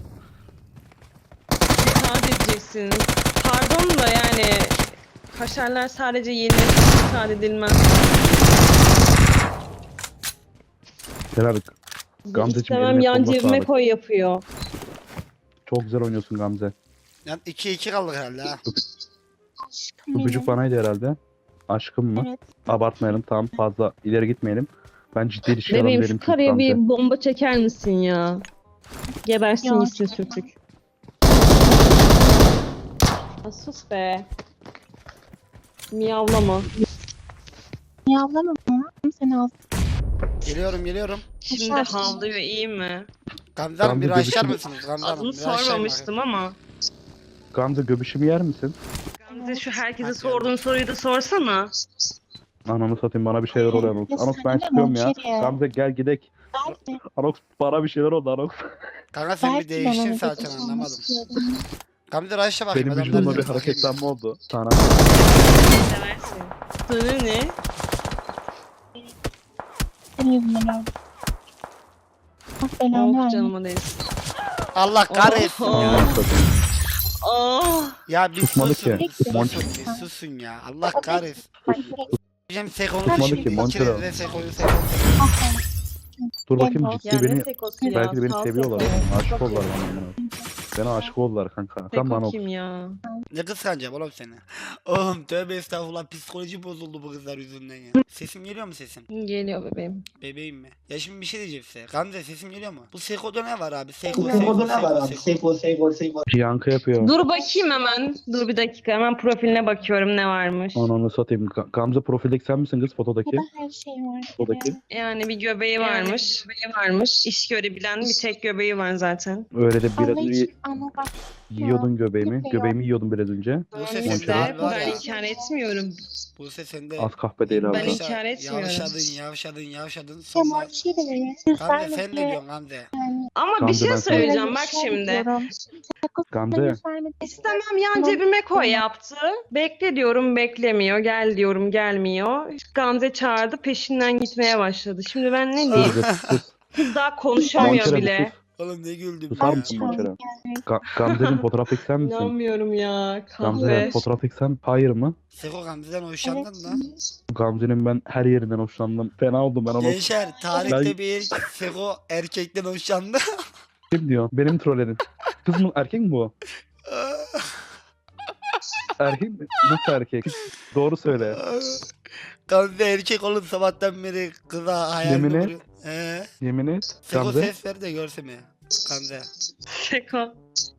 [SPEAKER 3] İtaat edeceksin. Pardon da yani kaşarlar sadece yenilmesi itaat edilmez.
[SPEAKER 2] Helal. Gamzeciğim
[SPEAKER 3] İstemem
[SPEAKER 2] eline
[SPEAKER 3] yan
[SPEAKER 2] koluna
[SPEAKER 3] cebime
[SPEAKER 2] sağlık.
[SPEAKER 3] koy yapıyor.
[SPEAKER 2] Çok güzel oynuyorsun Gamze.
[SPEAKER 1] Yani 2-2 kaldık herhalde ha.
[SPEAKER 4] Aşkım
[SPEAKER 2] Bu çocuk
[SPEAKER 4] benim.
[SPEAKER 2] banaydı herhalde. Aşkım mı?
[SPEAKER 4] Evet.
[SPEAKER 2] Abartmayalım tamam fazla ileri gitmeyelim. Ben ciddi ilişki
[SPEAKER 3] Bebeğim
[SPEAKER 2] alanı
[SPEAKER 3] şu karıya bir bomba çeker misin ya? Gebersin
[SPEAKER 4] Ya,
[SPEAKER 3] gitsin
[SPEAKER 4] çekemem.
[SPEAKER 3] sürtük. Ya sus be. Miyavlama.
[SPEAKER 4] Miyavlama mı? Sen al.
[SPEAKER 1] Geliyorum.
[SPEAKER 3] Şimdi
[SPEAKER 4] Aşağı-
[SPEAKER 3] havlıyor iyi mi?
[SPEAKER 1] Gamze Hanım bir
[SPEAKER 2] Gamze
[SPEAKER 1] açar
[SPEAKER 2] gözüküyor.
[SPEAKER 1] mısınız Gamze Hanım?
[SPEAKER 3] Adını
[SPEAKER 1] Bir açar
[SPEAKER 3] sormamıştım ama.
[SPEAKER 2] Gamze göbüşümü yer misin?
[SPEAKER 3] Gamze şu herkese
[SPEAKER 1] Hadi
[SPEAKER 3] sorduğun soruyu da sorsana.
[SPEAKER 2] Ananı satayım bana bir şeyler oluyor Anox.
[SPEAKER 4] Ya
[SPEAKER 2] Anox
[SPEAKER 4] sen
[SPEAKER 2] ben
[SPEAKER 4] de
[SPEAKER 2] çıkıyorum ya.
[SPEAKER 4] Monçeri.
[SPEAKER 2] Gamze gel gidek.
[SPEAKER 4] Belki.
[SPEAKER 2] Anox bana bir şeyler oldu Anox.
[SPEAKER 1] Kanka sen bir
[SPEAKER 4] Belki ben
[SPEAKER 1] değiştin
[SPEAKER 4] onu
[SPEAKER 1] zaten
[SPEAKER 4] götürsem
[SPEAKER 1] anlamadım.
[SPEAKER 4] istiyorum.
[SPEAKER 1] Gamze Raş'a bakayım.
[SPEAKER 2] Benim
[SPEAKER 1] adamlar
[SPEAKER 2] vücudumda bir
[SPEAKER 1] izliyor, bakayım.
[SPEAKER 2] hareketlenme oldu. Sana.
[SPEAKER 3] Seversin. Sonu ne?
[SPEAKER 4] Senin yüzünden öldüm. Ah belanı
[SPEAKER 3] Oh
[SPEAKER 4] verme.
[SPEAKER 3] canıma değsin.
[SPEAKER 1] Allah kahretsin
[SPEAKER 3] Oh.
[SPEAKER 1] ya.
[SPEAKER 3] Oh.
[SPEAKER 1] Ya bir
[SPEAKER 2] Tutmadı
[SPEAKER 1] susun.
[SPEAKER 2] ki.
[SPEAKER 1] Susun,
[SPEAKER 2] Monçer.
[SPEAKER 1] bir susun ya. Allah kahretsin.
[SPEAKER 4] Bak, direkt
[SPEAKER 1] Diyeceğim Seko'nu
[SPEAKER 2] Tutmadı
[SPEAKER 1] şimdi
[SPEAKER 2] ki, Monçer.
[SPEAKER 1] ikiniz de Seko'yu
[SPEAKER 4] ah,
[SPEAKER 2] Dur bakayım
[SPEAKER 4] Ya
[SPEAKER 2] ciddi
[SPEAKER 3] Ya
[SPEAKER 2] beni
[SPEAKER 3] ne sekosu ya?
[SPEAKER 2] belki de beni
[SPEAKER 3] Sal
[SPEAKER 2] seviyorlar.
[SPEAKER 3] seko.
[SPEAKER 2] Aşık oldular
[SPEAKER 3] Seko
[SPEAKER 2] bana. Bana aşık oldular kanka. Sen
[SPEAKER 3] Seko
[SPEAKER 2] bana
[SPEAKER 3] kim ya?
[SPEAKER 1] Ne kıskanacağım oğlum seni? Oğlum tövbe estağfurullah psikoloji bozuldu bu kızlar yüzünden ya. Sesim geliyor mu sesim?
[SPEAKER 3] Geliyor bebeğim.
[SPEAKER 1] Bebeğim mi? Ya şimdi bir şey diyeceğim size. Gamze sesim geliyor mu? Bu Seko'da ne var abi? Seko.
[SPEAKER 2] yankı yapıyor.
[SPEAKER 3] Dur bakayım hemen. Dur bir dakika hemen profiline bakıyorum ne varmış.
[SPEAKER 2] Ananı satayım. Gamze profildeki sen misin kız fotodaki?
[SPEAKER 4] burada her şey var.
[SPEAKER 2] Fotodaki.
[SPEAKER 3] Yani bir göbeği varmış. İş görebilen bir tek göbeği var zaten.
[SPEAKER 2] Öyle de
[SPEAKER 4] Ama
[SPEAKER 2] biraz
[SPEAKER 4] hiç ama bak
[SPEAKER 2] yiyordun göbeğimi.
[SPEAKER 4] Yok.
[SPEAKER 2] Göbeğimi yiyordun biraz önce.
[SPEAKER 1] Bu ses
[SPEAKER 3] Neyse,
[SPEAKER 1] sende var
[SPEAKER 3] ben
[SPEAKER 1] ya.
[SPEAKER 3] inkar etmiyorum.
[SPEAKER 1] Bu ses sende.
[SPEAKER 2] Az kahpe değil abi.
[SPEAKER 3] Ben inkar etmiyorum.
[SPEAKER 1] Yavşadın.
[SPEAKER 4] ya
[SPEAKER 1] Sonra...
[SPEAKER 4] Monçeri.
[SPEAKER 1] Gamze sen ne diyorsun Gamze?
[SPEAKER 3] Ama bir
[SPEAKER 2] Gamze,
[SPEAKER 3] şey
[SPEAKER 2] ben
[SPEAKER 3] söyleyeceğim bak şimdi.
[SPEAKER 2] Gamze.
[SPEAKER 3] İstemem yan cebime koy yaptı. Bekle diyorum beklemiyor. Gel diyorum gelmiyor. Gamze çağırdı peşinden gitmeye başladı. Şimdi ben ne diyeyim?
[SPEAKER 2] Sus sus.
[SPEAKER 3] Kız daha konuşamıyor
[SPEAKER 2] Monçere
[SPEAKER 3] bile.
[SPEAKER 2] sus.
[SPEAKER 1] Oğlum ne güldüm
[SPEAKER 2] Susar
[SPEAKER 1] ya.
[SPEAKER 2] mısın Monçer'e? Gamze'nin fotoğrafı sen misin?
[SPEAKER 3] İnanmıyorum ya.
[SPEAKER 2] Gamze'nin
[SPEAKER 3] Kahve.
[SPEAKER 2] fotoğrafı sen hayır mı?
[SPEAKER 1] Seko Gamze'den hoşlandın
[SPEAKER 4] Evet.
[SPEAKER 1] da.
[SPEAKER 2] Gamze'nin ben her yerinden hoşlandım. Fena oldum ben onu.
[SPEAKER 1] Gençler tarihte
[SPEAKER 2] Ben-
[SPEAKER 1] bir Seko erkekten hoşlandı.
[SPEAKER 2] Kim diyor? Benim trolledin. Kız mı erkek mi bu? Erkek mi? Nasıl erkek? Doğru söyle.
[SPEAKER 1] Gamze erkek oğlum sabahtan beri kıza hayal
[SPEAKER 2] Yemin et.
[SPEAKER 1] kuruyor.
[SPEAKER 2] Yemin et.
[SPEAKER 1] Seko
[SPEAKER 2] Gamze.
[SPEAKER 1] ses ver de görsün mi? Gamze.
[SPEAKER 3] Seko.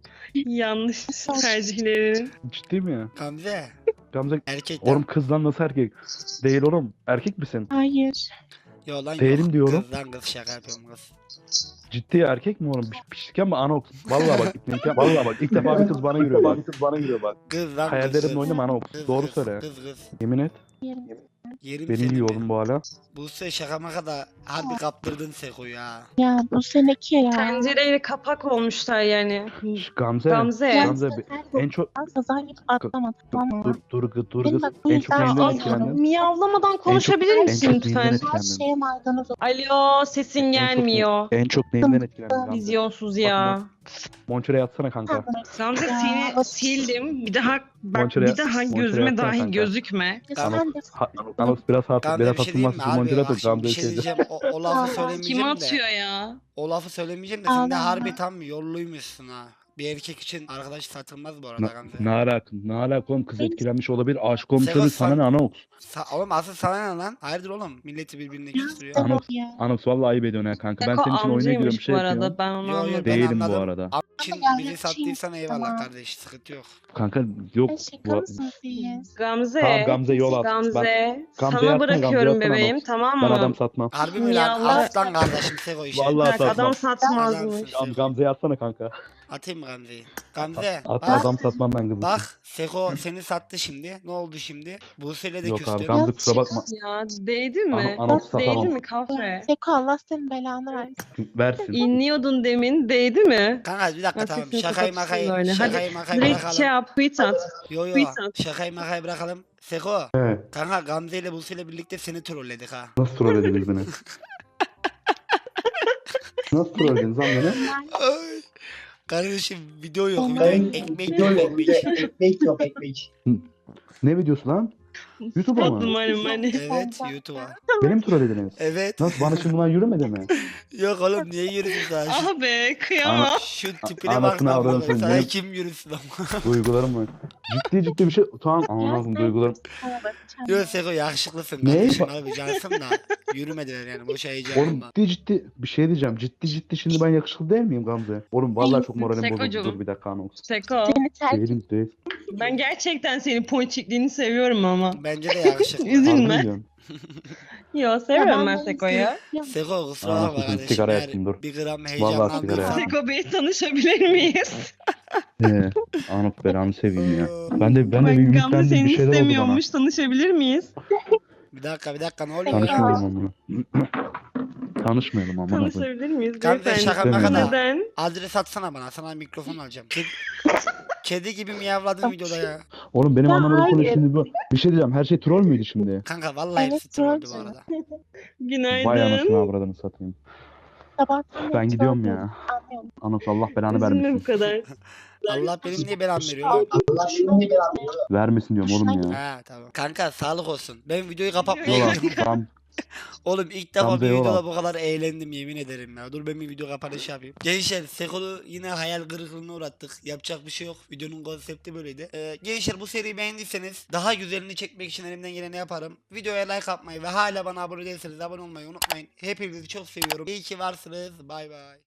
[SPEAKER 3] Yanlış tercihlerin.
[SPEAKER 2] Ciddi mi?
[SPEAKER 1] Gamze.
[SPEAKER 2] Gamze.
[SPEAKER 1] Erkekten.
[SPEAKER 2] Oğlum kızdan nasıl erkek? Değil oğlum. Erkek misin?
[SPEAKER 4] Hayır.
[SPEAKER 1] Yo lan
[SPEAKER 2] Değilim
[SPEAKER 1] yok.
[SPEAKER 2] diyorum.
[SPEAKER 1] Kız lan kız şaka yapıyorum kız.
[SPEAKER 2] Ciddi erkek mi oğlum? Pişlik ama Anox. Vallahi bak. Vallahi bak. İlk defa bir kız bana yürüyor bak.
[SPEAKER 1] Kız lan kız.
[SPEAKER 2] Hayallerimle oynama Anox.
[SPEAKER 1] Kız,
[SPEAKER 2] Doğru
[SPEAKER 1] kız,
[SPEAKER 2] söyle.
[SPEAKER 1] Kız kız.
[SPEAKER 2] Yemin et.
[SPEAKER 4] Yerim.
[SPEAKER 1] Yerim
[SPEAKER 2] Beni
[SPEAKER 1] seni
[SPEAKER 2] yiyor
[SPEAKER 1] mi?
[SPEAKER 2] oğlum bu hala.
[SPEAKER 1] Bu se şaka maka da harbi kaptırdın Seko ya.
[SPEAKER 4] Ya bu seneki ya.
[SPEAKER 3] Tencereyle kapak olmuşlar yani.
[SPEAKER 2] Şş, Gamze.
[SPEAKER 3] Gamze.
[SPEAKER 2] Gamze. En çok...
[SPEAKER 4] Kaza gibi atlama tamam mı?
[SPEAKER 2] Dur
[SPEAKER 4] Benim
[SPEAKER 2] kız.
[SPEAKER 4] bak bu
[SPEAKER 2] En çok
[SPEAKER 4] yüzden
[SPEAKER 2] neyinden
[SPEAKER 3] Aa,
[SPEAKER 2] etkilendin?
[SPEAKER 3] miyavlamadan konuşabilir
[SPEAKER 2] en
[SPEAKER 3] misin
[SPEAKER 2] çok
[SPEAKER 3] lütfen?
[SPEAKER 2] neyinden
[SPEAKER 4] Her
[SPEAKER 2] etkilendin?
[SPEAKER 4] şeye maydanoz ol.
[SPEAKER 3] Alo, sesin
[SPEAKER 2] En çok
[SPEAKER 3] gelmiyor.
[SPEAKER 2] En çok neyinden etkilendin Gamze?
[SPEAKER 3] Vizyonsuz ya.
[SPEAKER 2] Monçer'e yatsana kanka.
[SPEAKER 3] Gamze
[SPEAKER 4] Ya,
[SPEAKER 3] seni
[SPEAKER 4] bak-
[SPEAKER 3] sildim. Bir daha bak
[SPEAKER 2] Monçer'e-
[SPEAKER 3] bir daha
[SPEAKER 2] Monçer'e
[SPEAKER 3] gözüme
[SPEAKER 2] yatsana
[SPEAKER 3] dahi
[SPEAKER 2] kanka.
[SPEAKER 3] gözükme.
[SPEAKER 4] Ya
[SPEAKER 1] Tamam.
[SPEAKER 4] sen de
[SPEAKER 2] Anox biraz hafif.
[SPEAKER 1] Gamze
[SPEAKER 2] Biraz
[SPEAKER 1] bir şey diyeyim mi
[SPEAKER 2] hatırlamazsın.
[SPEAKER 1] abi?
[SPEAKER 2] Monçer'e
[SPEAKER 1] Bak
[SPEAKER 2] de
[SPEAKER 1] şimdi bir
[SPEAKER 2] Gamze'yi
[SPEAKER 1] şey
[SPEAKER 2] sevdi.
[SPEAKER 1] diyeceğim. O lafı
[SPEAKER 4] Kim
[SPEAKER 1] söylemeyeceğim
[SPEAKER 3] Kim
[SPEAKER 1] de.
[SPEAKER 3] atıyor ya?
[SPEAKER 1] O lafı söylemeyeceğim de sen de
[SPEAKER 4] Ağlama.
[SPEAKER 1] harbi tam yolluymuşsun ha. Bir erkek için arkadaş satılmaz bu arada Gamze.
[SPEAKER 2] Ne alaka? Ne alaka oğlum? Kız etkilenmiş olabilir. Aşık olmuş
[SPEAKER 1] Seko,
[SPEAKER 2] olabilir. Sana
[SPEAKER 1] sen-
[SPEAKER 2] ne Anox?
[SPEAKER 1] Oğlum asıl sana ne lan? Hayırdır oğlum? Milleti birbirine küstürüyor.
[SPEAKER 2] Anox.
[SPEAKER 4] ya.
[SPEAKER 2] Anox vallahi ayıp ediyorsun ya kanka. Ben
[SPEAKER 3] Seko
[SPEAKER 2] senin için oyuna giriyorum.
[SPEAKER 3] amcaymış
[SPEAKER 2] Şey
[SPEAKER 3] bu
[SPEAKER 2] yapıyorum.
[SPEAKER 3] arada ben onu
[SPEAKER 1] Yo, yo,
[SPEAKER 3] anladım.
[SPEAKER 1] ben
[SPEAKER 2] Değilim bu
[SPEAKER 1] anladım.
[SPEAKER 2] arada.
[SPEAKER 1] Am için
[SPEAKER 4] Ya,
[SPEAKER 1] bizi
[SPEAKER 4] ya,
[SPEAKER 1] sattıysan
[SPEAKER 4] şey,
[SPEAKER 1] eyvallah
[SPEAKER 4] tamam.
[SPEAKER 1] kardeş. Sıkıntı yok.
[SPEAKER 2] Kanka yok.
[SPEAKER 4] Şaka mısınız siz?
[SPEAKER 3] Gamze.
[SPEAKER 2] Tamam Gamze yol at.
[SPEAKER 3] Gamze.
[SPEAKER 2] Gamze
[SPEAKER 3] Sana
[SPEAKER 2] yatsana,
[SPEAKER 3] bırakıyorum
[SPEAKER 2] Gamze yatsana
[SPEAKER 3] bebeğim
[SPEAKER 2] Anox.
[SPEAKER 3] tamam
[SPEAKER 2] Ben
[SPEAKER 3] mı?
[SPEAKER 2] adam satmam.
[SPEAKER 1] Harbi mi lan?
[SPEAKER 3] Yallah.
[SPEAKER 1] Aslan kardeşim Seko işi.
[SPEAKER 2] Vallahi
[SPEAKER 3] Bak
[SPEAKER 2] satmam.
[SPEAKER 3] adam satmazmış.
[SPEAKER 1] Adamsın Seko.
[SPEAKER 2] Gamze'ye atsana kanka.
[SPEAKER 1] Atayım mı Gamze'yi? Gamze
[SPEAKER 2] At,
[SPEAKER 1] bak,
[SPEAKER 2] adam satmam ben kızım.
[SPEAKER 1] bak Seko seni sattı şimdi. Ne oldu şimdi? Buse'yle de
[SPEAKER 2] Yok abi
[SPEAKER 1] küstü.
[SPEAKER 2] Gamze kusura bakma.
[SPEAKER 3] Ya değdi mi?
[SPEAKER 2] Anox
[SPEAKER 3] Değdi
[SPEAKER 2] satamam.
[SPEAKER 3] mi kahve?
[SPEAKER 4] Seko Allah senin belanı versin.
[SPEAKER 2] Versin.
[SPEAKER 3] İnliyordun demin değdi mi?
[SPEAKER 1] Kanka bir dakika
[SPEAKER 3] Bak
[SPEAKER 1] tamam.
[SPEAKER 3] sesini
[SPEAKER 1] Şakayı
[SPEAKER 3] kapatsın
[SPEAKER 1] makayı,
[SPEAKER 3] böyle.
[SPEAKER 1] şakayı makayı
[SPEAKER 3] Direkt
[SPEAKER 1] bırakalım.
[SPEAKER 3] şey yap tweet at.
[SPEAKER 1] Yo yo.
[SPEAKER 3] tweet at.
[SPEAKER 1] Şakayı makayı bırakalım. Seko.
[SPEAKER 2] Evet.
[SPEAKER 1] Kanka Gamze ile Buse ile birlikte seni trolledik ha.
[SPEAKER 2] Nasıl troll ediniz beni? Nasıl troll ediniz lan beni?
[SPEAKER 1] Ay. Kardeşim video yok.
[SPEAKER 4] Onlar-
[SPEAKER 1] Video, ekmek yok ekmek.
[SPEAKER 5] Ekmek yok ekmek.
[SPEAKER 2] Ne videosu lan? YouTube'a mı?
[SPEAKER 3] Umarım hani.
[SPEAKER 1] Evet YouTube'a.
[SPEAKER 2] Benim troll ediniz.
[SPEAKER 1] Evet.
[SPEAKER 2] Nasıl bana şimdi bunlar yürümedi mi?
[SPEAKER 1] Yok oğlum niye yürüsün sana? Şu,
[SPEAKER 3] Ah be kıyamam.
[SPEAKER 1] şu tipine bak
[SPEAKER 2] Anasını
[SPEAKER 1] lan.
[SPEAKER 2] avradım
[SPEAKER 1] Sana
[SPEAKER 2] seni.
[SPEAKER 1] kim yürüsün ama?
[SPEAKER 2] Duygularım var. Ciddi bir şey. Tamam anladım duygularım.
[SPEAKER 1] Yok Seko yakışıklısın
[SPEAKER 2] Ne?
[SPEAKER 1] kardeşim abi cansın da. Yürümediler yani boş heyecan
[SPEAKER 2] Oğlum
[SPEAKER 1] yapma.
[SPEAKER 2] ciddi bir şey diyeceğim. Ciddi şimdi ben yakışıklı değil miyim Gamze? Oğlum vallahi çok moralim bozuldu.
[SPEAKER 3] Sekocuğum.
[SPEAKER 2] Dur bir dakika Anox.
[SPEAKER 3] Seko.
[SPEAKER 4] Seni terk
[SPEAKER 2] Değilim değil.
[SPEAKER 3] Ben gerçekten senin ponçikliğini seviyorum ama.
[SPEAKER 1] Bence de yakışıklı.
[SPEAKER 3] Üzülme.
[SPEAKER 2] Harbi diyorum.
[SPEAKER 3] Yo seviyorum ben
[SPEAKER 4] bunu
[SPEAKER 3] Seko'yu.
[SPEAKER 4] seviyorum.
[SPEAKER 1] Seko kusura
[SPEAKER 2] Aa,
[SPEAKER 1] bakma
[SPEAKER 2] kızım,
[SPEAKER 1] kardeşim.
[SPEAKER 2] sigara
[SPEAKER 1] Eğer
[SPEAKER 2] yaktım, dur.
[SPEAKER 1] bir gram
[SPEAKER 2] Vallahi
[SPEAKER 1] heyecanlandıysan.
[SPEAKER 2] sigara yaktım.
[SPEAKER 3] Seko Bey tanışabilir miyiz?
[SPEAKER 2] Anox belanı seveyim ya. Ben de bir
[SPEAKER 3] Bak Gamze
[SPEAKER 2] ümitlendim
[SPEAKER 3] seni
[SPEAKER 2] bir şeyler oldu bana.
[SPEAKER 3] istemiyormuş. Tanışabilir miyiz?
[SPEAKER 1] Bir dakika ne oluyor ya?
[SPEAKER 2] Tanışmayalım amına. Tanışmayalım amına.
[SPEAKER 3] Tanışabilir miyiz?
[SPEAKER 1] Gamze
[SPEAKER 3] beyefendi?
[SPEAKER 1] şaka maka
[SPEAKER 2] İstemiyorum.
[SPEAKER 1] da.
[SPEAKER 3] Neden?
[SPEAKER 1] Adres atsana bana sana mikrofon alacağım. Kedi gibi miyavladın videoda ya.
[SPEAKER 2] Oğlum benim
[SPEAKER 4] Ya
[SPEAKER 2] anlamadığım konu
[SPEAKER 4] hayır.
[SPEAKER 2] şimdi bu. Bir şey diyeceğim. Her şey troll müydü şimdi?
[SPEAKER 1] Kanka vallahi
[SPEAKER 4] Evet,
[SPEAKER 1] hepsi trolldü bu
[SPEAKER 4] troll
[SPEAKER 1] arada.
[SPEAKER 3] Günaydın.
[SPEAKER 2] Vay anasını avradını satayım.
[SPEAKER 4] Sabahtan beri
[SPEAKER 2] Ben gidiyorum
[SPEAKER 4] troll
[SPEAKER 2] ya.
[SPEAKER 4] anlıyorum.
[SPEAKER 2] Anox Allah belanı
[SPEAKER 3] Üzülme bu
[SPEAKER 2] vermesin.
[SPEAKER 3] kadar.
[SPEAKER 1] Allah benim niye belamı veriyor lan?
[SPEAKER 5] Allah şunu ne kadar
[SPEAKER 2] Vermesin diyorum oğlum ya.
[SPEAKER 1] Ha tamam. Kanka sağlık olsun. Ben videoyu kapatmaya
[SPEAKER 2] Yola.
[SPEAKER 1] gidiyorum.
[SPEAKER 2] Tamam.
[SPEAKER 1] Oğlum ilk defa
[SPEAKER 2] Gamze
[SPEAKER 1] bir
[SPEAKER 2] yola.
[SPEAKER 1] videoda bu kadar eğlendim yemin ederim ya. Dur ben bir video kapanışı yapayım. Gençler Seko'yu yine hayal kırıklığına uğrattık. Yapacak bir şey yok. Videonun konsepti böyleydi. Gençler bu seriyi beğendiyseniz daha güzelini çekmek için elimden geleni yaparım. Videoya like atmayı ve hala bana abone değilseniz abone olmayı unutmayın. Hepinizi çok seviyorum. İyi ki varsınız. Bay bay.